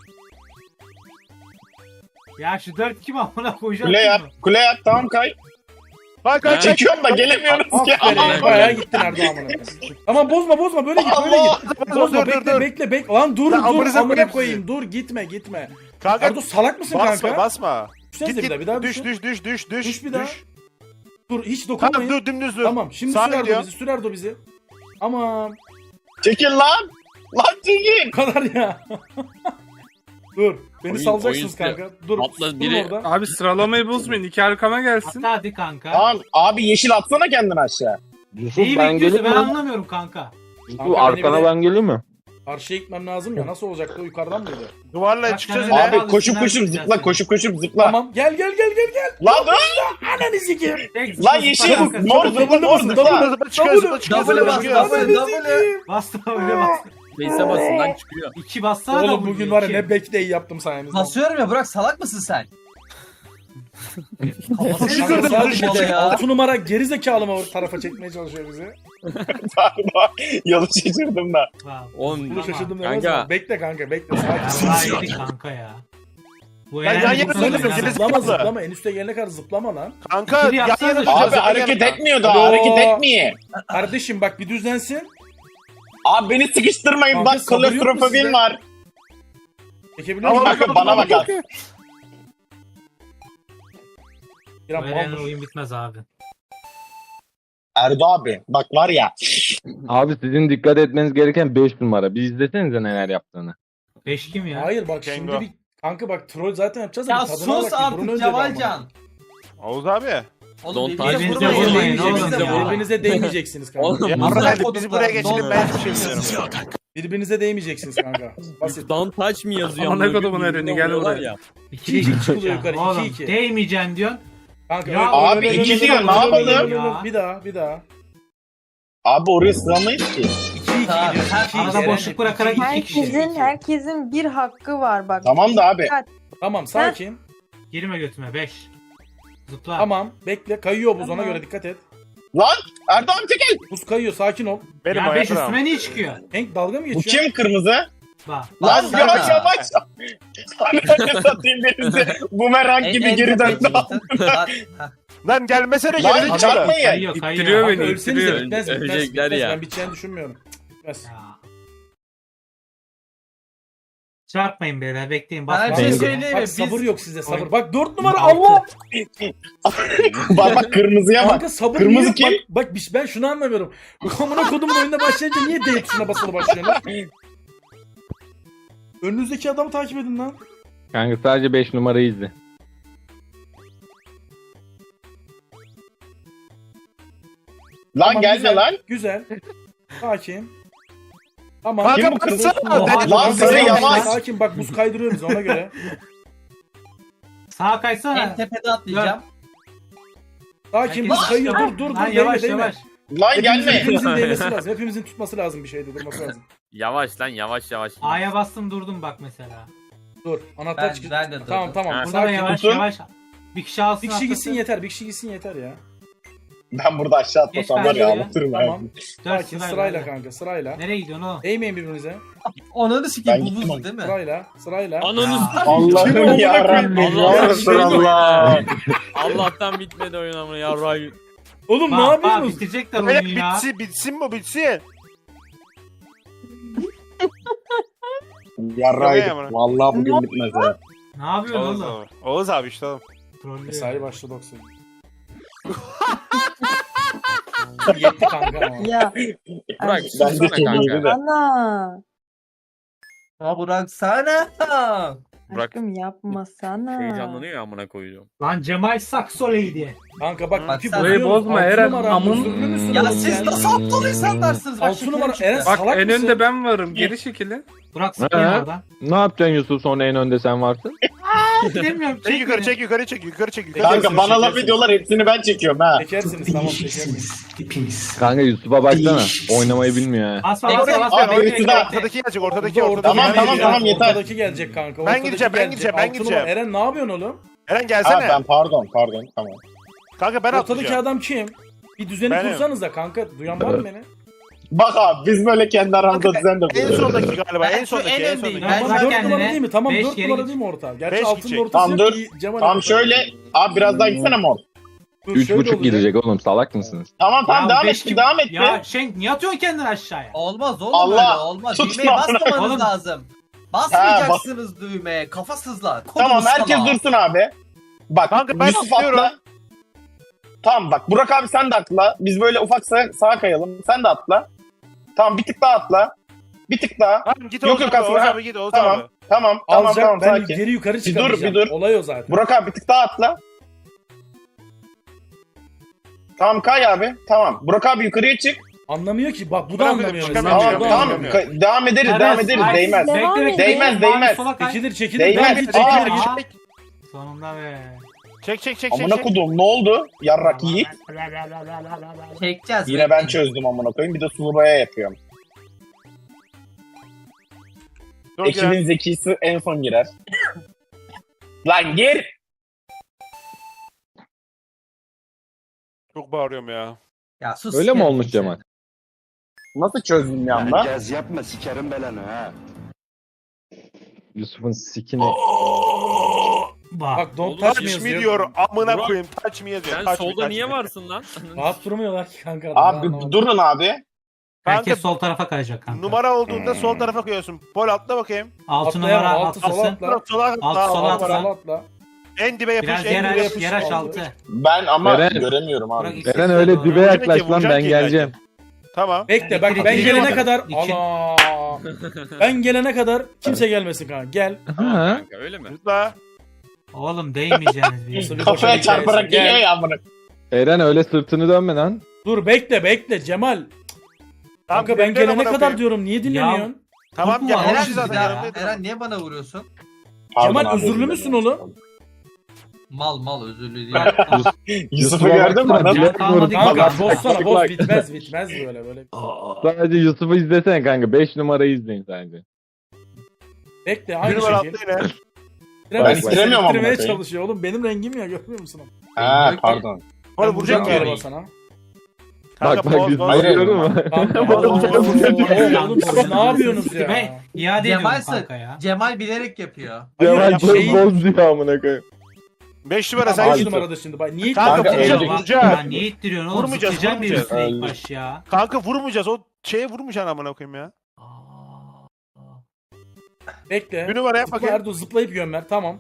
Speaker 3: Ya şu dört kim amına koyacağım.
Speaker 6: Kule yap. Kule yap. Tamam kay.
Speaker 2: Kay kay çek.
Speaker 6: Çekiyorum da gelemiyoruz ki.
Speaker 7: Aferin. Bayağı gittin Erdo amına koyayım. Tamam bozma bozma böyle git böyle
Speaker 6: Allah.
Speaker 7: git. Bozma
Speaker 2: Dur, dur,
Speaker 7: bekle
Speaker 2: dur.
Speaker 7: bekle bekle. Lan dur
Speaker 2: Lan
Speaker 7: dur
Speaker 2: amınıza
Speaker 7: amına
Speaker 2: koyayım
Speaker 7: koyayım.
Speaker 2: sizi.
Speaker 7: Dur gitme gitme.
Speaker 2: Kanka
Speaker 7: Erdo salak mısın
Speaker 2: basma
Speaker 7: kanka?
Speaker 2: basma.
Speaker 7: Düşsenize
Speaker 2: Git
Speaker 7: bir daha bir daha
Speaker 2: git.
Speaker 7: düşün.
Speaker 2: Düş düş düş düş düş.
Speaker 7: Düş bir daha.
Speaker 2: düş.
Speaker 7: Dur hiç
Speaker 2: Tamam
Speaker 7: dokunmayın.
Speaker 2: dur dümdüz dur.
Speaker 7: Tamam şimdi
Speaker 2: Sağa
Speaker 7: sür Erdo
Speaker 2: gidiyor.
Speaker 7: bizi sür Erdo bizi. Aman
Speaker 6: Çekil lan. Lan çekil.
Speaker 7: bu kadar ya. Dur beni
Speaker 4: Oyun-
Speaker 7: salacaksınız
Speaker 4: oyun-
Speaker 7: kanka. Dur
Speaker 4: Atla
Speaker 7: dur
Speaker 4: biri-
Speaker 7: orada.
Speaker 9: Abi sıralamayı bozmayın. İki arkama gelsin.
Speaker 3: Hatta hadi kanka.
Speaker 6: Tamam abi yeşil atsana kendini aşağı.
Speaker 1: Yusuf
Speaker 3: Neyi
Speaker 1: ben
Speaker 3: bekliyorsun
Speaker 1: geleyim
Speaker 3: ben
Speaker 1: mi?
Speaker 3: anlamıyorum kanka.
Speaker 1: Yusuf
Speaker 7: Kanka, beni
Speaker 1: arkana
Speaker 7: bir de-
Speaker 1: ben geleyim mi?
Speaker 7: Karşıya gitmem lazım ya nasıl olacaktı o yukarıdan mıydı?
Speaker 2: Duvarla
Speaker 3: Bak,
Speaker 2: çıkacağız
Speaker 3: sen
Speaker 2: yine.
Speaker 3: öyle-
Speaker 6: Abi koşup koşup zıpla koşup koşup zıpla.
Speaker 7: Tamam gel gel gel gel gel.
Speaker 6: Lan dur.
Speaker 7: Ananı sikeyim.
Speaker 3: Tek
Speaker 6: Lan
Speaker 3: zıpla
Speaker 6: yeşil
Speaker 3: kanka.
Speaker 6: mor zıpla mor zıpla.
Speaker 2: Zıpla çıkıyor zıpla çıkıyor
Speaker 5: Double
Speaker 2: zıpla
Speaker 5: bas,
Speaker 2: çıkıyor.
Speaker 5: double, double.
Speaker 3: Bastım öyle bastım.
Speaker 4: Face'e basın lan çıkıyor.
Speaker 3: İki bassana da
Speaker 7: Oğlum
Speaker 3: bu
Speaker 7: bugün var ya
Speaker 3: iki.
Speaker 7: ne back day yaptım sayenizde.
Speaker 5: Basıyorum ya Burak salak mısın sen? Kafası
Speaker 2: Çıkıyor,
Speaker 5: şurada
Speaker 2: çıkıyor,
Speaker 5: sadece
Speaker 2: çıkıyor.
Speaker 5: ya.
Speaker 7: altı numara geri zekalı mı o tarafa çekmeye çalışıyor bizi?
Speaker 6: Pardon. Yolu şaşırdım da.
Speaker 3: Wow.
Speaker 4: Oğlum
Speaker 7: Bunu şaşırdım
Speaker 4: Kanka.
Speaker 7: demez mi? Bekle kanka bekle
Speaker 3: Ya
Speaker 7: sakin.
Speaker 3: daha yedik kanka ya. Bu
Speaker 2: Ya,
Speaker 3: Eren
Speaker 2: yan
Speaker 3: bu
Speaker 2: yana
Speaker 3: sene
Speaker 2: dönüyorum,
Speaker 3: ya.
Speaker 2: gerisi-
Speaker 7: Zıplama
Speaker 2: Zıpla.
Speaker 7: zıplama en üste gelene kadar zıplama lan.
Speaker 2: Kanka
Speaker 3: İkili
Speaker 2: yan
Speaker 3: yapsanıza
Speaker 2: yana
Speaker 3: şu
Speaker 6: Abi
Speaker 2: duracağız, yan
Speaker 6: hareket
Speaker 2: yana.
Speaker 6: etmiyor daha
Speaker 7: Alo.
Speaker 6: hareket etmiyor.
Speaker 7: Kardeşim bak bir düzlensin.
Speaker 6: Abi beni sıkıştırmayın
Speaker 7: Kanka,
Speaker 6: bak
Speaker 7: sabır yok mu
Speaker 6: klostrofobim
Speaker 7: sizde?
Speaker 6: var.
Speaker 7: Çekebiliyor musun?
Speaker 6: Kanka bana bak abi.
Speaker 3: Bu
Speaker 7: İrem
Speaker 3: Eren'le
Speaker 7: maldır.
Speaker 3: oyun bitmez abi.
Speaker 6: Erdo abi bak var ya.
Speaker 1: Abi sizin dikkat etmeniz gereken beş numara. Bir izlesenize neler yaptığını.
Speaker 3: Beş kim ya?
Speaker 7: Hayır bak
Speaker 2: Kengo.
Speaker 7: şimdi bir kanka bak troll zaten yapacağız da
Speaker 5: Ya
Speaker 7: bir tadına
Speaker 5: sus
Speaker 7: bak, bir burun
Speaker 5: artık
Speaker 7: önce bir
Speaker 5: Cevalcan.
Speaker 2: Oğuz abi.
Speaker 5: Oğlum
Speaker 4: Don't
Speaker 5: birbirinize
Speaker 4: touch
Speaker 3: me.
Speaker 5: vurmayın.
Speaker 3: Vurmayın
Speaker 5: Birbirinize
Speaker 3: oğlum ya.
Speaker 5: vurmayın.
Speaker 7: Birbirinize değmeyeceksiniz kanka.
Speaker 4: Oğlum,
Speaker 2: Ya
Speaker 5: Bunlar
Speaker 2: hadi biz
Speaker 5: koduklar,
Speaker 2: buraya geçelim
Speaker 5: don-
Speaker 2: ben hiçbir şey bilmiyorum.
Speaker 7: Birbirinize değmeyeceksiniz kanka. Basit.
Speaker 4: Don't touch me yazıyor.
Speaker 9: Aman
Speaker 4: amına
Speaker 9: kodumun
Speaker 4: koyayım,
Speaker 9: Eren'i,
Speaker 4: birbirine
Speaker 9: gel
Speaker 4: vuruyorlar
Speaker 9: buraya.
Speaker 4: ya.
Speaker 3: İkili
Speaker 7: İki
Speaker 3: iki
Speaker 7: çıkılıyor yukarı, iki
Speaker 3: Oğlum
Speaker 7: iki.
Speaker 3: değmeyeceksin diyorsun.
Speaker 7: Kanka
Speaker 3: Ya
Speaker 7: öyle-
Speaker 6: abi,
Speaker 7: öyle-
Speaker 6: iki
Speaker 7: öyle-
Speaker 6: diyor,
Speaker 7: öyle-
Speaker 6: ne
Speaker 7: öyle-
Speaker 6: yapalım?
Speaker 7: öyle- öyle- Bir daha bir daha.
Speaker 6: Abi oraya sığamayız ki.
Speaker 7: iki iki
Speaker 5: Tamam,
Speaker 7: gidiyor.
Speaker 5: her-
Speaker 7: iki iki.
Speaker 3: Arada
Speaker 7: Eren,
Speaker 3: boşluk
Speaker 7: iki
Speaker 3: bırakarak
Speaker 7: iki.
Speaker 3: iki kişi.
Speaker 8: Herkesin herkesin bir hakkı var bak.
Speaker 6: Tamam da abi.
Speaker 8: Dikkat.
Speaker 7: Tamam sakin.
Speaker 3: Girme götüme beş. Zıpla.
Speaker 7: Tamam bekle kayıyor buz ona
Speaker 8: Tamam.
Speaker 7: göre dikkat et.
Speaker 6: Lan Erdo abi çekil.
Speaker 7: Buz kayıyor sakin ol.
Speaker 2: Benim
Speaker 3: Ya beş
Speaker 2: ayaklarım.
Speaker 3: üstüme niye çıkıyor?
Speaker 7: Hank dalga mı
Speaker 6: Bu
Speaker 7: geçiyor?
Speaker 6: kim kırmızı?
Speaker 3: Bak.
Speaker 6: Lan
Speaker 5: Lan
Speaker 6: yavaş
Speaker 5: sana.
Speaker 6: yavaş. Ananı satayım birisi. Bumerang
Speaker 5: En-
Speaker 6: gibi
Speaker 5: en
Speaker 6: geri
Speaker 5: tepeye
Speaker 6: döndü.
Speaker 5: çıktın. Lan, heh.
Speaker 2: Lan gelmesene
Speaker 6: Lan
Speaker 2: geri zekalı.
Speaker 6: çarpmayın.
Speaker 3: Kayıyor
Speaker 9: İttiriyor
Speaker 3: kayıyor.
Speaker 9: beni.
Speaker 7: Kanka ölsenize
Speaker 9: ittiriyor.
Speaker 7: bitmez bitmez.
Speaker 4: Ölecekler
Speaker 7: bitmez.
Speaker 4: ya.
Speaker 7: Ben biteceğini düşünmüyorum. Bitmez.
Speaker 3: Ya. Çarpmayın beyler bekleyin.
Speaker 5: Bana bir
Speaker 3: Basma.
Speaker 5: şey
Speaker 1: Bak,
Speaker 5: söyleyeyim mi?
Speaker 7: Bak sabır
Speaker 5: Biz
Speaker 7: yok sizde sabır.
Speaker 3: Oyun-
Speaker 7: Bak dört numara
Speaker 3: Altı.
Speaker 7: Allah.
Speaker 6: Bak bak kırmızıya bak.
Speaker 7: Kanka sabır
Speaker 6: Kırmızı
Speaker 7: niye?
Speaker 6: kim?
Speaker 7: Bak, bak bir- ben şunu anlamıyorum. Bu amına kodumun oyunda başlayınca niye D tuşuna basılı başlıyorsunuz? Önünüzdeki adamı takip edin lan.
Speaker 1: Kanka sadece beş numarayı izle.
Speaker 6: Lan
Speaker 7: Tamam,
Speaker 6: gelme
Speaker 7: güzel,
Speaker 6: lan.
Speaker 7: Güzel. Sakin. Tamam.
Speaker 2: Kanka
Speaker 6: Kim bu kırmızı?
Speaker 2: baksana.
Speaker 3: Oha,
Speaker 2: Deli-
Speaker 6: Lan sarı
Speaker 3: Yavaş,
Speaker 6: yavaş.
Speaker 7: Sakin bak buz kaydırıyor bizi ona göre.
Speaker 3: Sağa
Speaker 5: en
Speaker 3: kaysana.
Speaker 5: tepede atlayacağım.
Speaker 7: Sakin
Speaker 3: Herkes-
Speaker 7: buz kayıyor dur dur dur.
Speaker 3: Lan
Speaker 7: Değme
Speaker 3: yavaş
Speaker 7: değme.
Speaker 3: yavaş.
Speaker 6: Lan
Speaker 7: Hepimizin,
Speaker 6: gelme.
Speaker 7: hepimizin değmesi lazım. Hepimizin tutması lazım bir şeyde durması lazım.
Speaker 4: Yavaş lan yavaş yavaş.
Speaker 3: A'ya bastım durdum bak mesela.
Speaker 7: Dur anahtar
Speaker 5: Ben-
Speaker 7: çıkıyor.
Speaker 5: ben de durdum.
Speaker 7: Tamam tamam.
Speaker 4: Ha.
Speaker 3: Burada da
Speaker 7: Sakin.
Speaker 3: yavaş
Speaker 6: tutun.
Speaker 3: yavaş. Bir kişi alsın.
Speaker 7: Bir kişi gitsin
Speaker 3: atlasın.
Speaker 7: yeter. Bir kişi gitsin yeter ya.
Speaker 6: Ben burada aşağı atlasam
Speaker 3: Geç
Speaker 6: var ya
Speaker 3: bence ya.
Speaker 6: anlatırım ya.
Speaker 7: Tamam.
Speaker 3: Dört
Speaker 7: Sakin
Speaker 3: sırayla,
Speaker 7: sırayla
Speaker 3: hadi.
Speaker 7: kanka sırayla.
Speaker 3: Nereye gidiyorsun oğlum?
Speaker 7: Değmeyin birbirinize.
Speaker 5: Onu da sikeyim
Speaker 6: Ben
Speaker 5: bu
Speaker 6: gittim
Speaker 5: buz değil mi?
Speaker 7: Sırayla sırayla.
Speaker 4: Ananı
Speaker 6: Allah'ım yarabbim.
Speaker 4: Allah
Speaker 6: Ya
Speaker 4: aşkına.
Speaker 6: Resulallah.
Speaker 4: Allah'tan bitmedi oyun amına yarrağı.
Speaker 7: Oğlum ne
Speaker 3: Bak, bak,
Speaker 7: yapıyorsunuz?
Speaker 3: bitirecekler
Speaker 2: Böyle
Speaker 3: oyunu ya.
Speaker 2: bitsin bitsin bu bitsin.
Speaker 6: Yarraydık.
Speaker 2: Tamam.
Speaker 6: Vallahi bugün bitmez ha.
Speaker 3: Ne yapıyorsun
Speaker 2: Oğuz
Speaker 3: oğlum?
Speaker 2: abi. Oğuz abi işte oğlum.
Speaker 3: Trollüyor.
Speaker 7: Mesai başladı doksan. Yusuf yetti kanka ama.
Speaker 8: Ya.
Speaker 4: Burak
Speaker 8: Ay,
Speaker 6: Ben de
Speaker 4: sussana
Speaker 6: çok
Speaker 4: kanka.
Speaker 6: iyiydi de.
Speaker 8: Ana.
Speaker 5: Ha bıraksana.
Speaker 4: Burak
Speaker 8: Aşkım yapmasana.
Speaker 4: heyecanlanıyor ya amına koyuyorum.
Speaker 3: Lan Cemal Saksoleydi.
Speaker 7: Kanka bak
Speaker 5: Bak
Speaker 7: iki
Speaker 5: sen-
Speaker 9: Burayı bozma Eren.
Speaker 7: Amın.
Speaker 9: Amın.
Speaker 5: Ya siz nasıl aptal insanlarsınız? Bak
Speaker 7: Altı
Speaker 5: şekerim
Speaker 7: numara
Speaker 5: çıktı.
Speaker 7: Eren
Speaker 9: Bak
Speaker 7: salak
Speaker 9: en
Speaker 7: mısın?
Speaker 9: önde ben varım. Geri çekilin.
Speaker 3: Burak sıkayım
Speaker 1: He?
Speaker 3: oradan.
Speaker 1: Ne yapacaksın Yusuf sonra en önde sen varsın?
Speaker 3: Bilmiyorum.
Speaker 2: Çek yukarı çek yukarı çek yukarı çek yukarı.
Speaker 6: Kanka
Speaker 2: çek.
Speaker 6: bana laf ediyorlar hepsini ben çekiyorum ha.
Speaker 7: Çekersiniz tamam çekersiniz.
Speaker 1: Kanka Yusuf'a baksana. Oynamayı bilmiyor ha.
Speaker 3: Bas bas
Speaker 5: Bekle,
Speaker 3: bas
Speaker 5: bekle,
Speaker 3: bas.
Speaker 6: Abi,
Speaker 3: Bekle,
Speaker 6: Yusuf'a-
Speaker 3: bekle.
Speaker 2: Ortadaki gelecek ortadaki
Speaker 7: Orada-
Speaker 2: ortadaki.
Speaker 6: Tamam,
Speaker 2: Ben
Speaker 6: tamam,
Speaker 2: gideceğim.
Speaker 6: tamam, yeter.
Speaker 7: Ortadaki gelecek kanka.
Speaker 2: Ben
Speaker 7: ortadaki
Speaker 2: gideceğim, ben
Speaker 7: gelecek.
Speaker 2: gideceğim, ben
Speaker 7: Altı
Speaker 2: gideceğim.
Speaker 7: numara. Eren ne yapıyorsun oğlum?
Speaker 2: Eren
Speaker 6: Ha
Speaker 2: gelsene.
Speaker 6: ben pardon pardon tamam.
Speaker 2: Kanka ben
Speaker 7: Ortadaki
Speaker 2: atlayacağım.
Speaker 7: adam kim? Bir düzeni
Speaker 2: Benim.
Speaker 7: kursanız da kanka. Duyan var mı beni?
Speaker 6: Bak abi biz böyle kendi aramızda düzen de
Speaker 2: En
Speaker 6: kuruyoruz.
Speaker 2: sondaki galiba
Speaker 5: Ben
Speaker 2: en
Speaker 5: şu
Speaker 2: sondaki
Speaker 5: en
Speaker 2: en
Speaker 5: öndeyim.
Speaker 2: sondaki.
Speaker 5: Ben
Speaker 7: Tamam
Speaker 5: şu an
Speaker 7: dört
Speaker 3: kendine
Speaker 7: numara değil mi? Tamam
Speaker 3: beş
Speaker 7: dört
Speaker 3: geri
Speaker 7: numara
Speaker 3: git.
Speaker 7: değil mi orta? Gerçi
Speaker 2: Beş
Speaker 7: altı
Speaker 2: gidecek.
Speaker 7: numara ortası
Speaker 6: Tamam,
Speaker 7: yok
Speaker 6: dur.
Speaker 7: ki Cemal
Speaker 6: Tamam
Speaker 7: orta.
Speaker 6: şöyle abi biraz daha gitsene mor.
Speaker 7: Dur,
Speaker 1: Üç
Speaker 7: şöyle
Speaker 1: buçuk
Speaker 7: olacak.
Speaker 1: gidecek oğlum salak mısınız?
Speaker 6: Tamam tamam
Speaker 3: Ya
Speaker 6: devam
Speaker 3: beş
Speaker 6: et
Speaker 3: kim-
Speaker 6: devam et.
Speaker 3: Ya Şenk niye atıyorsun kendini aşağıya?
Speaker 5: Olmaz oğlum
Speaker 6: Allah,
Speaker 5: öyle olmaz.
Speaker 6: tut
Speaker 5: Düğmeye
Speaker 6: lan.
Speaker 5: basmamanız
Speaker 3: Oğlum.
Speaker 5: lazım. Basmayacaksınız düğmeye. Kafasızlar.
Speaker 6: Tamam
Speaker 5: Kodunuz
Speaker 6: herkes
Speaker 5: salak.
Speaker 6: dursun abi. Bak
Speaker 2: Kanka ben
Speaker 6: Yusuf
Speaker 2: atlıyorum.
Speaker 6: atla. Tamam bak Burak abi sen de atla. Biz böyle ufak sağa, sağa kayalım. Sen de atla. Tamam bir tık daha atla. Bir tık daha.
Speaker 2: Tamam git
Speaker 6: Yok,
Speaker 2: Oğuz
Speaker 6: yok,
Speaker 2: abi, Oğuz
Speaker 6: aslında-
Speaker 2: abi git Oğuz
Speaker 6: Tamam.
Speaker 2: abi.
Speaker 6: Tamam tamam
Speaker 7: Alacak
Speaker 6: tamam
Speaker 7: ben
Speaker 6: sakin.
Speaker 7: geri yukarı
Speaker 6: dur,
Speaker 7: çıkamayacağım.
Speaker 6: bir dur.
Speaker 7: Olay o zaten.
Speaker 6: Burak abi bir tık daha atla. Tamam kay abi. Tamam. Burak abi yukarıya çık.
Speaker 7: Anlamıyor ki bak bu da
Speaker 2: Burak
Speaker 7: anlamıyor.
Speaker 2: abi,
Speaker 7: mesela.
Speaker 2: çıkamıyor,
Speaker 6: Tamam
Speaker 7: Bu da
Speaker 2: çıkamıyor.
Speaker 6: tamam.
Speaker 7: anlamıyor.
Speaker 6: Ka- devam ederiz
Speaker 3: Evet,
Speaker 6: devam ederiz.
Speaker 3: ay,
Speaker 6: Değmez.
Speaker 8: Devam
Speaker 3: Bekle,
Speaker 8: et.
Speaker 3: bekle,
Speaker 6: Değmez,
Speaker 3: mavi
Speaker 6: değmez.
Speaker 3: sola kay.
Speaker 7: Çekilir çekilir.
Speaker 6: Değmez.
Speaker 7: Ben git
Speaker 6: Aa.
Speaker 7: çekilir.
Speaker 3: Aa,
Speaker 7: git.
Speaker 3: Sonunda be.
Speaker 2: Çek çek çek çek.
Speaker 6: Amına
Speaker 2: çek.
Speaker 6: kodum ne oldu? Yarrak yiğit.
Speaker 5: Çekeceğiz.
Speaker 6: Yine ben
Speaker 5: bekleyin.
Speaker 6: çözdüm amına koyayım. Bir de sulubaya yapıyorum.
Speaker 2: Dur,
Speaker 6: Ekibin
Speaker 2: gel.
Speaker 6: zekisi en son girer. Lan gir.
Speaker 2: Çok bağırıyorum ya.
Speaker 5: Ya sus.
Speaker 1: Öyle mi
Speaker 5: sikerim
Speaker 1: olmuş
Speaker 5: seni.
Speaker 1: Cemal?
Speaker 6: Nasıl çözdüm bir anda?
Speaker 10: Gez yapma sikerim belanı ha.
Speaker 1: Yusuf'un sikini.
Speaker 3: Bak.
Speaker 7: Bak don't
Speaker 4: Oğlum,
Speaker 7: touch me
Speaker 2: Touch me
Speaker 7: yazıyor.
Speaker 2: diyor amına
Speaker 4: Burak,
Speaker 2: koyayım touch me yazıyor.
Speaker 4: Sen
Speaker 2: touch me,
Speaker 4: solda
Speaker 2: touch
Speaker 4: niye
Speaker 2: me.
Speaker 4: varsın lan?
Speaker 7: Rahat durmuyorlar ki kanka.
Speaker 6: Abi
Speaker 7: Anlamadım.
Speaker 6: durun abi.
Speaker 3: Herkes
Speaker 2: Kanka,
Speaker 3: sol tarafa kayacak kanka.
Speaker 2: Numara olduğunda sol tarafa koyuyorsun. Pol atla bakayım.
Speaker 3: Altı
Speaker 7: Atlayamam,
Speaker 3: numara
Speaker 7: altı sola
Speaker 3: atlasın.
Speaker 7: atla.
Speaker 2: Burak sola atla.
Speaker 3: Alt, sola
Speaker 2: Aa,
Speaker 3: atla.
Speaker 7: Sola atla.
Speaker 2: En dibe yapış
Speaker 3: Biraz
Speaker 2: en
Speaker 3: yer
Speaker 2: dibe
Speaker 3: aç,
Speaker 2: yapış.
Speaker 3: yer aç altı.
Speaker 6: Ben ama
Speaker 1: Eren.
Speaker 6: göremiyorum
Speaker 3: Burak
Speaker 6: abi.
Speaker 3: ikisi
Speaker 1: Eren
Speaker 3: de
Speaker 1: öyle
Speaker 3: doğru.
Speaker 1: dibe
Speaker 2: Vuracak
Speaker 1: yaklaş
Speaker 2: ki,
Speaker 1: lan
Speaker 2: vuracak
Speaker 1: ben
Speaker 2: ki
Speaker 1: geleceğim.
Speaker 2: Tamam.
Speaker 7: Bekle bak
Speaker 3: İkili,
Speaker 7: ben
Speaker 3: ikili,
Speaker 7: gelene
Speaker 3: ikili.
Speaker 7: kadar
Speaker 3: İki.
Speaker 7: ana ben gelene kadar kimse gelmesin kanka. Gel.
Speaker 4: Tamam
Speaker 1: Ha?
Speaker 4: kanka öyle mi?
Speaker 2: Zıpla.
Speaker 3: Oğlum değmeyeceğiniz bir
Speaker 7: Nasıl
Speaker 3: yere.
Speaker 7: bir
Speaker 6: Kafaya
Speaker 7: boşa
Speaker 6: çarparak
Speaker 7: hikayesi.
Speaker 6: geliyor
Speaker 7: Gel.
Speaker 6: ya amına.
Speaker 1: Eren öyle sırtını dönme lan.
Speaker 7: Dur bekle bekle Cemal. Kanka ben
Speaker 2: bekle
Speaker 7: gelene
Speaker 2: amına
Speaker 7: kadar
Speaker 2: koyayım.
Speaker 7: diyorum. Niye dinlemiyorsun?
Speaker 2: Tamam
Speaker 3: Korkma,
Speaker 2: ya.
Speaker 3: Eren
Speaker 5: Eren,
Speaker 2: Eren
Speaker 5: bir
Speaker 2: zaten
Speaker 5: daha-
Speaker 2: yanımdaydı.
Speaker 5: Eren niye bana vuruyorsun?
Speaker 6: Pardon
Speaker 7: Cemal
Speaker 6: abi,
Speaker 7: özürlü
Speaker 6: özür
Speaker 7: müsün
Speaker 6: dilerim.
Speaker 7: oğlum?
Speaker 5: Mal mal özürlü değil.
Speaker 6: Yusuf'u
Speaker 1: Yusuf'a
Speaker 6: gördün mü?
Speaker 1: baksana,
Speaker 6: Adam?
Speaker 1: dibe
Speaker 3: Kalmadı
Speaker 1: vurdu.
Speaker 3: ki.
Speaker 7: Kanka
Speaker 3: Bak,
Speaker 7: bozsana boz
Speaker 1: bak.
Speaker 7: bitmez bitmez böyle böyle.
Speaker 1: Sadece Yusuf'u izlesene kanka. beş numarayı izleyin sadece.
Speaker 7: Bekle
Speaker 2: Bir
Speaker 7: aynı
Speaker 2: numara
Speaker 7: şekil.
Speaker 2: atla yine.
Speaker 7: Bitiremez,
Speaker 6: Ben bitiremiyorum ama
Speaker 7: bitirmeye
Speaker 6: bakayım.
Speaker 7: çalışıyor oğlum. Benim rengim ya görmüyor musun?
Speaker 6: Ha pardon.
Speaker 2: Oğlum
Speaker 7: Ben vuracağım
Speaker 2: vuracak
Speaker 7: galiba
Speaker 2: ya.
Speaker 7: sana.
Speaker 1: Bak
Speaker 2: Kanka
Speaker 1: bak
Speaker 2: poz
Speaker 1: Yusuf'u
Speaker 2: poz.
Speaker 6: Hayır.
Speaker 1: görüyor musun?
Speaker 7: Kanka
Speaker 1: Oğlum,
Speaker 7: oğlum,
Speaker 1: oğlum,
Speaker 7: oğlum siz ne yapıyorsunuz ya?
Speaker 3: Ben iade ediyorum
Speaker 5: Cemal
Speaker 3: kanka ya.
Speaker 5: Cemal bilerek yapıyor.
Speaker 7: Hayır,
Speaker 1: Cemal
Speaker 7: ya
Speaker 1: boz
Speaker 7: şeyi-
Speaker 1: boz diyor amına koyayım.
Speaker 2: beş numara
Speaker 7: Tamam,
Speaker 2: sen
Speaker 7: beş
Speaker 2: git.
Speaker 7: numarada şimdi bak. Niye
Speaker 2: Kanka,
Speaker 6: Kanka,
Speaker 2: vuracak
Speaker 6: öldük.
Speaker 2: vuracak.
Speaker 3: Ya niye ittiriyorsun oğlum?
Speaker 2: Vurmayacağız,
Speaker 3: Zıplayacağım bir
Speaker 2: vurmayacağız.
Speaker 3: üstüne ilk
Speaker 6: Öldük.
Speaker 3: baş ya.
Speaker 2: Kanka vurmayacağız. O şeye vurmayacaksın amına koyayım ya.
Speaker 7: Bekle.
Speaker 2: Bir numara yap bakayım.
Speaker 7: Erdo zıplayıp gömer. Tamam.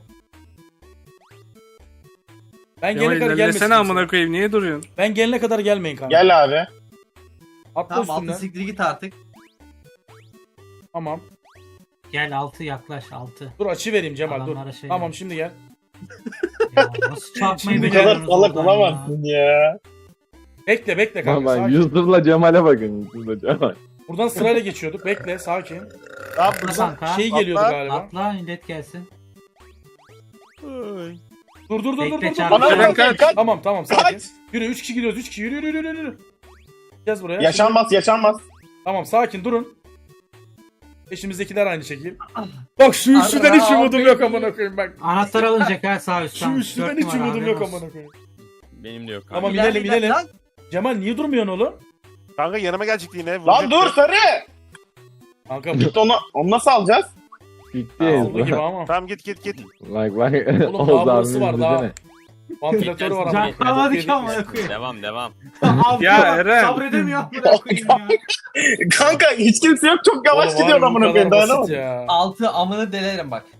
Speaker 7: Ben
Speaker 9: Cemal
Speaker 7: gelene kadar gelmesin.
Speaker 9: ilerlesene
Speaker 7: kimse.
Speaker 9: amına koyayım. Niye duruyorsun?
Speaker 7: Ben gelene kadar gelmeyin kanka.
Speaker 6: Gel abi.
Speaker 7: Atla
Speaker 5: Tamam altı
Speaker 7: üstünden.
Speaker 5: siktir git artık.
Speaker 7: Tamam.
Speaker 3: Gel altı yaklaş altı.
Speaker 7: Dur açı vereyim Cemal dur.
Speaker 3: Adamlara şey
Speaker 7: Tamam
Speaker 3: yap.
Speaker 7: şimdi gel.
Speaker 3: Ya nasıl çarpmayı
Speaker 7: Şimdi
Speaker 6: Bu kadar
Speaker 3: beceriyorsunuz
Speaker 6: salak
Speaker 3: oradan ya?
Speaker 6: olamazsın ya.
Speaker 7: Bekle bekle kanka.
Speaker 1: Bak
Speaker 7: Sakin.
Speaker 1: Yusuf'la Cemal'e bakın. Yusuf'la Cemal.
Speaker 7: Buradan sırayla geçiyorduk. Bekle sakin.
Speaker 2: Tamam
Speaker 3: Dur
Speaker 2: buradan.
Speaker 3: kanka.
Speaker 7: Şey geliyordu
Speaker 2: Atla,
Speaker 7: galiba.
Speaker 3: Atla millet gelsin.
Speaker 2: Ay.
Speaker 7: Dur dur dur dur
Speaker 3: Bekle,
Speaker 7: dur. dur.
Speaker 3: çarpma.
Speaker 7: Tamam,
Speaker 6: Eren kaç. kaç.
Speaker 7: Tamam tamam sakin.
Speaker 6: Kaç.
Speaker 7: Yürü üç kişi gidiyoruz üç kişi yürü yürü yürü yürü. Gez buraya.
Speaker 6: Yaşanmaz yaşanmaz.
Speaker 7: Tamam sakin durun. Peşimizdekiler aynı şekil. Bak şu üçlüden hiç umudum yok amına koyayım bak.
Speaker 3: Anahtar alınacak ha sağ
Speaker 7: Şu
Speaker 3: üstten.
Speaker 7: üçlüden
Speaker 3: Dört
Speaker 7: hiç
Speaker 3: numara,
Speaker 7: umudum yok
Speaker 3: haberin olsun.
Speaker 7: amına koyayım.
Speaker 4: Benim de yok kanka.
Speaker 7: Tamam
Speaker 5: İlerle,
Speaker 7: inelim
Speaker 5: ilerle
Speaker 7: inelim.
Speaker 5: lan.
Speaker 7: Cemal niye durmuyorsun oğlum?
Speaker 2: Kanka yanıma gelecekti yine.
Speaker 6: Lan
Speaker 2: vuracak
Speaker 6: dur
Speaker 2: ya.
Speaker 6: sarı.
Speaker 7: Kanka bu
Speaker 6: Git onu, onu nasıl alacağız?
Speaker 1: Gitti
Speaker 7: oldu gibi
Speaker 1: ya.
Speaker 7: ama.
Speaker 2: Tamam git git git.
Speaker 1: Bak bak.
Speaker 7: Oğlum
Speaker 1: Oğuz
Speaker 7: daha burası
Speaker 1: abinin
Speaker 7: var daha.
Speaker 1: izlesene.
Speaker 7: Vantilatörü var ama.
Speaker 3: Can kalmadı ki amına koyayım.
Speaker 4: Devam devam.
Speaker 3: Altı
Speaker 9: Ya
Speaker 3: bak,
Speaker 9: Eren.
Speaker 3: Sabredemiyor amına koyayım ya.
Speaker 6: Kanka hiç kimse yok çok yavaş
Speaker 7: Oğlum
Speaker 6: gidiyor
Speaker 7: harbi bu
Speaker 6: amına
Speaker 7: kadar
Speaker 6: koyayım
Speaker 7: basit
Speaker 6: dayanamadım.
Speaker 7: ya.
Speaker 5: Altı amını delerim bak.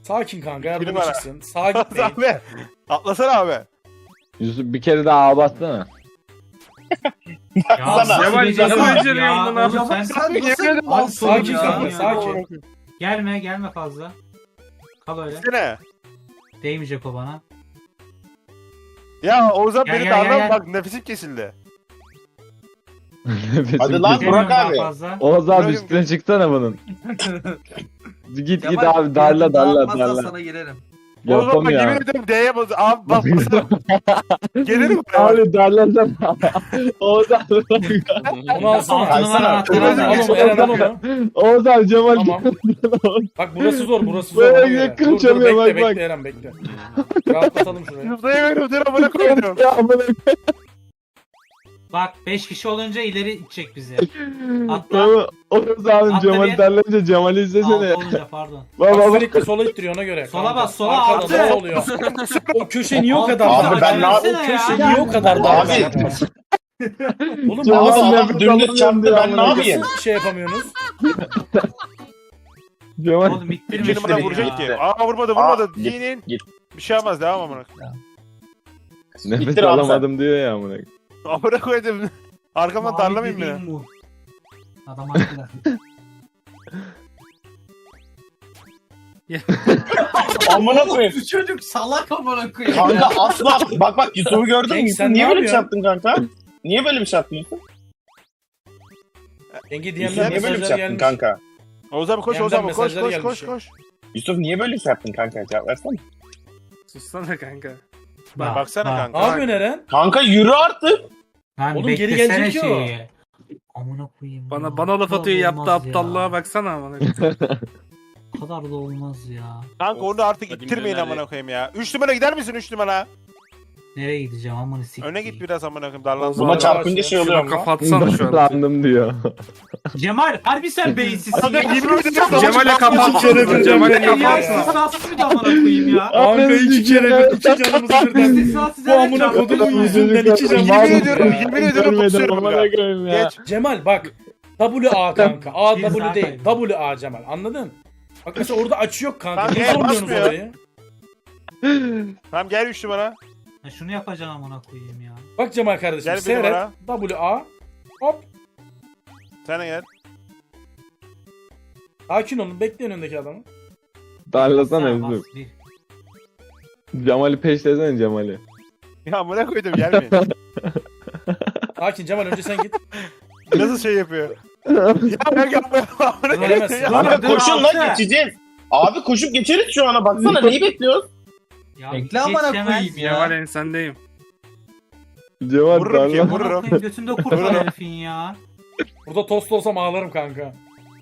Speaker 7: Sakin kanka yardımcı
Speaker 2: numara.
Speaker 7: çıksın. Sağa gitmeyin.
Speaker 2: abi. Atlasana abi.
Speaker 1: Yusuf bir kere daha ağa bassana.
Speaker 3: Ya
Speaker 6: Sana.
Speaker 9: Cemal
Speaker 3: beceriyorsun
Speaker 9: nasıl
Speaker 3: ya?
Speaker 9: beceriyorsun bunu?
Speaker 3: Oğlum sen
Speaker 5: Sen
Speaker 2: Yemin
Speaker 5: nasıl
Speaker 2: ederim
Speaker 5: malsın
Speaker 7: Sakin
Speaker 5: ya?
Speaker 7: kanka
Speaker 3: ya.
Speaker 7: sakin.
Speaker 3: Gelme gelme fazla. Kal öyle.
Speaker 2: Sene.
Speaker 3: Değmeyecek o bana.
Speaker 2: Ya Oğuzhan
Speaker 3: Gel,
Speaker 2: beni
Speaker 3: gel, gel,
Speaker 2: darlan
Speaker 3: gel.
Speaker 2: bak nefesim kesildi.
Speaker 6: Hadi lan.
Speaker 3: Gelmiyorum
Speaker 6: Burak
Speaker 3: daha
Speaker 6: abi.
Speaker 3: fazla.
Speaker 1: Oğuz abi
Speaker 2: Bırakın.
Speaker 1: üstüne çıksana bunun. Git git
Speaker 5: Kemal,
Speaker 1: abi darla
Speaker 5: fiyatı
Speaker 1: darla
Speaker 5: dağıtmazsan
Speaker 1: darla.
Speaker 5: sana girerim.
Speaker 2: Oğuzhan bak yemin
Speaker 1: Yapamıyor.
Speaker 2: ederim D'ye bas. Abi bak basarım. Gelirim buraya.
Speaker 1: Abi darlasana. Oğuz abi.
Speaker 7: Onu alsana.
Speaker 3: Altı numara
Speaker 6: Alsana.
Speaker 3: anahtarı
Speaker 7: Al
Speaker 3: al.
Speaker 7: onu Eren al onu.
Speaker 1: Oğuz abi Cemal.
Speaker 7: Tamam. Bak burası zor burası zor.
Speaker 1: Böyle
Speaker 7: ona göre.
Speaker 1: yakın
Speaker 7: Dur, dur,
Speaker 1: çalıyor,
Speaker 7: bekle,
Speaker 1: bak,
Speaker 7: bekle
Speaker 1: bak.
Speaker 7: Eren bekle. Rahatlatalım şurayı.
Speaker 2: Zıplayamıyorum. Dur amına koydum.
Speaker 1: Ya amına
Speaker 3: Bak beş kişi olunca ileri itecek bizi. Atla.
Speaker 1: koyayım. Oğuz abi
Speaker 3: Atla
Speaker 1: Cemal
Speaker 3: bir.
Speaker 1: darlayınca Cemal'i izlesene.
Speaker 3: Altı olunca pardon.
Speaker 1: Bak
Speaker 7: Bak
Speaker 1: bak bak.
Speaker 7: sürekli sola ittiriyor ona göre.
Speaker 3: Sola
Speaker 7: kanka.
Speaker 3: bas, sola,
Speaker 7: Arkada
Speaker 3: altı.
Speaker 7: ne oluyor? O köşe niye o kadar
Speaker 6: Abi
Speaker 7: dar?
Speaker 6: ben ne
Speaker 7: O
Speaker 6: yapayım?
Speaker 7: köşe
Speaker 3: Ya.
Speaker 7: niye o kadar dar?
Speaker 6: Abi.
Speaker 7: Oğlum
Speaker 1: Cemal
Speaker 6: Abi
Speaker 7: abi
Speaker 6: adam dümdüz çarptı ben ne yapayım?
Speaker 7: nasıl şey yapamıyorsunuz?
Speaker 1: Cemal.
Speaker 3: Oğlum ittirme
Speaker 2: İki numara
Speaker 3: şurayı
Speaker 2: vuracak
Speaker 3: ya.
Speaker 2: ki. Aa vurmadı vurmadı.
Speaker 6: Aa, git,
Speaker 2: Giyinin.
Speaker 6: git.
Speaker 2: Bir şey yapmaz devam amına.
Speaker 1: Nefes
Speaker 6: İttir abi sen.
Speaker 1: alamadım diyor ya amına.
Speaker 2: Amına koydum. Arkamdan
Speaker 3: Mavi
Speaker 2: darlamayayım
Speaker 3: dediğim
Speaker 2: beni.
Speaker 3: bu. Adam haklı.
Speaker 6: Amına koyayım.
Speaker 5: Bu çocuk salak amına koyayım
Speaker 6: Kanka
Speaker 5: ya.
Speaker 6: asla. Bak bak Yusuf'u gördün mü?
Speaker 7: Cenk,
Speaker 6: Yusuf
Speaker 7: sen
Speaker 6: niye
Speaker 7: ne
Speaker 6: böyle bir şey
Speaker 7: yapıyorsun?
Speaker 6: yaptın kanka? Niye böyle bir şey yaptın Yusuf?
Speaker 7: Denge
Speaker 6: Yusuf
Speaker 7: D M'den
Speaker 6: niye böyle bir
Speaker 7: mesajlar
Speaker 6: şey yaptın
Speaker 7: gelmiş.
Speaker 6: kanka?
Speaker 2: Oğuz abi koş
Speaker 7: Yandan
Speaker 2: Oğuz abi koş
Speaker 7: mesajlar
Speaker 2: koş
Speaker 7: gelmiş
Speaker 2: koş
Speaker 7: ya.
Speaker 2: koş.
Speaker 6: Yusuf niye böyle bir şey yaptın kanka? Cevap versene.
Speaker 9: Sussana kanka.
Speaker 3: Bak,
Speaker 2: Baksana
Speaker 3: bak.
Speaker 2: kanka.
Speaker 7: Ne yapıyorsun Eren?
Speaker 6: Kanka yürü artık.
Speaker 3: Lan
Speaker 7: Oğlum geri
Speaker 3: beklesene
Speaker 7: gelecek ki o.
Speaker 3: şeyi. Amına koyayım.
Speaker 9: Bana
Speaker 3: ya.
Speaker 9: bana laf
Speaker 3: Bu
Speaker 9: atıyor
Speaker 3: kadar
Speaker 9: yaptı
Speaker 3: olmaz ya.
Speaker 9: aptallığa baksana amına.
Speaker 3: Bu kadar da olmaz ya.
Speaker 2: Kanka onu artık
Speaker 4: Hadi
Speaker 2: ittirmeyin
Speaker 4: milyoner
Speaker 2: amına koyayım ya. üç numara gider misin üç numara?
Speaker 3: Nereye gideceğim amına sikeyim.
Speaker 2: Öne git biraz amına koyayım darlansın.
Speaker 6: Buna
Speaker 7: Vallahi
Speaker 6: çarpınca
Speaker 7: bak
Speaker 6: şey
Speaker 7: ya.
Speaker 6: oluyor
Speaker 9: Şuna
Speaker 6: mu?
Speaker 9: kafa atsana şu an.
Speaker 1: Sandım diyor.
Speaker 3: Cemal harbi sen beyinsizsin
Speaker 2: Kanka
Speaker 3: ya.
Speaker 2: yemin ederim
Speaker 9: Cemal'e kafa atsana. Cemal'e kafa
Speaker 3: Ya
Speaker 9: atsana.
Speaker 3: istisnasız bir de amına koyayım ya.
Speaker 7: Kanka iki kere bir iki canımız birden.
Speaker 3: İstisnasız
Speaker 7: Bu amına kodumun yüzünden iki canımız
Speaker 2: Yemin
Speaker 7: birden.
Speaker 2: ediyorum, yemin ediyorum
Speaker 1: Görmedim
Speaker 2: tutuyorum
Speaker 1: amına
Speaker 2: ya.
Speaker 1: koyayım ya.
Speaker 2: Geç.
Speaker 7: Cemal bak. W A kanka. A
Speaker 3: Bir
Speaker 7: W
Speaker 3: saat
Speaker 7: değil.
Speaker 3: kaybı.
Speaker 7: W A Cemal. Anladın? Bak mesela orada açı yok kanka.
Speaker 2: Kanka,
Speaker 7: Niye
Speaker 2: el
Speaker 7: sormuyorsunuz
Speaker 2: basmıyor.
Speaker 7: orayı?
Speaker 2: Tamam gel üç numara.
Speaker 3: Ya şunu yapacaksın amına koyayım ya.
Speaker 7: Bak Cemal kardeşim
Speaker 2: Gel bir
Speaker 7: seyret.
Speaker 2: numara.
Speaker 7: W A. Hop.
Speaker 2: Sen de gel.
Speaker 7: Sakin olun. Bekleyin öndeki adamı.
Speaker 1: Darlasana
Speaker 3: Bas,
Speaker 1: Yusuf.
Speaker 3: bir.
Speaker 1: Cemal'i peşlesene Cemal'i.
Speaker 2: Ya amına koydum gelmeyin.
Speaker 7: Sakin Cemal önce sen git.
Speaker 2: Nasıl şey yapıyor? Ya ben yapmıyorum amına
Speaker 7: Veremezsin.
Speaker 2: koyayım.
Speaker 6: Kanka
Speaker 3: Dur,
Speaker 6: koşun
Speaker 3: altı.
Speaker 6: lan geçeceğiz. Abi koşup geçeriz şu ana baksana neyi bekliyoruz?
Speaker 3: Ya
Speaker 5: Bekle amına
Speaker 3: geçemez
Speaker 5: koyayım ya.
Speaker 9: Cemal ensendeyim.
Speaker 1: Cemal
Speaker 2: Vururum ki,
Speaker 1: darla.
Speaker 3: Amına
Speaker 2: vururum.
Speaker 3: koyayım, götünde kurt var herifin ya.
Speaker 7: Burada tost olsam ağlarım kanka.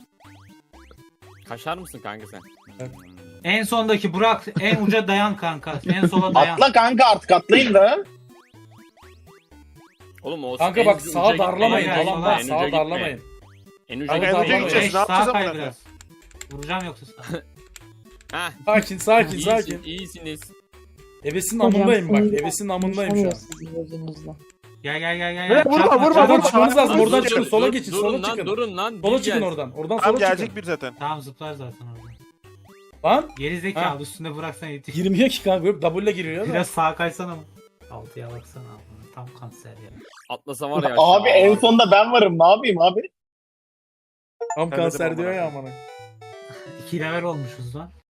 Speaker 4: Kaşar mısın kanka sen?
Speaker 3: En sondaki Burak en uca dayan kanka. En sola dayan.
Speaker 6: Atla kanka artık atlayın da.
Speaker 4: Oğlum o
Speaker 7: Kanka
Speaker 4: en
Speaker 7: bak
Speaker 4: uca
Speaker 7: sağa
Speaker 4: gitme,
Speaker 7: darlamayın.
Speaker 3: en
Speaker 7: Tamam
Speaker 3: uca
Speaker 7: bak
Speaker 4: gitme, en
Speaker 7: sağa
Speaker 4: uca gitme.
Speaker 7: darlamayın.
Speaker 4: En uca
Speaker 7: Kanka
Speaker 2: Kanka en uca
Speaker 7: darlamayın.
Speaker 2: gideceğiz.
Speaker 3: Geç,
Speaker 2: Ne yapacağız
Speaker 3: sağa kay
Speaker 2: amına koyayım?
Speaker 3: biraz. Vuracağım yoksa sana.
Speaker 4: Hah.
Speaker 7: Sakin sakin
Speaker 4: İyisin,
Speaker 7: sakin.
Speaker 4: iyisiniz.
Speaker 7: Ebesin
Speaker 8: Hocam,
Speaker 7: amındayım bak.
Speaker 8: sinirden
Speaker 7: Ebesin amındayım şu an.
Speaker 8: Sizin gözünüzle.
Speaker 3: Gel gel gel gel.
Speaker 2: Vurma,
Speaker 3: Çarpma,
Speaker 2: vurma,
Speaker 3: çarpma.
Speaker 2: vurma,
Speaker 7: Oradan
Speaker 2: vurma.
Speaker 7: çıkmanız lazım. Oradan
Speaker 2: Dur,
Speaker 7: çıkın.
Speaker 2: dur,
Speaker 7: Sola
Speaker 4: Dur-
Speaker 7: geçin.
Speaker 4: durun
Speaker 7: Sola
Speaker 4: lan,
Speaker 7: çıkın.
Speaker 4: durun lan.
Speaker 7: Sola
Speaker 4: bir
Speaker 7: çıkın
Speaker 4: gel.
Speaker 7: oradan. Oradan
Speaker 2: Tamam
Speaker 7: sola çıkın.
Speaker 2: gelecek bir zaten.
Speaker 3: Tamam zıplar zaten orada.
Speaker 7: Lan
Speaker 3: Geri
Speaker 7: Ha.
Speaker 3: zekalı üstünde bıraksan yetiş.
Speaker 7: girmiyor ki kanka. Yok W'le giriyor da.
Speaker 3: Biraz sağa kaysana mı? Altıya baksana abi. Tam kanser ya.
Speaker 4: Atlasa var ya.
Speaker 6: Abi
Speaker 4: aşağı.
Speaker 6: en sonda ben varım ne yapayım abi?
Speaker 7: Tam
Speaker 2: Ben de
Speaker 7: kanser
Speaker 2: dedim
Speaker 7: diyor
Speaker 2: amına
Speaker 7: ya amına.
Speaker 3: İki level olmuşuz lan.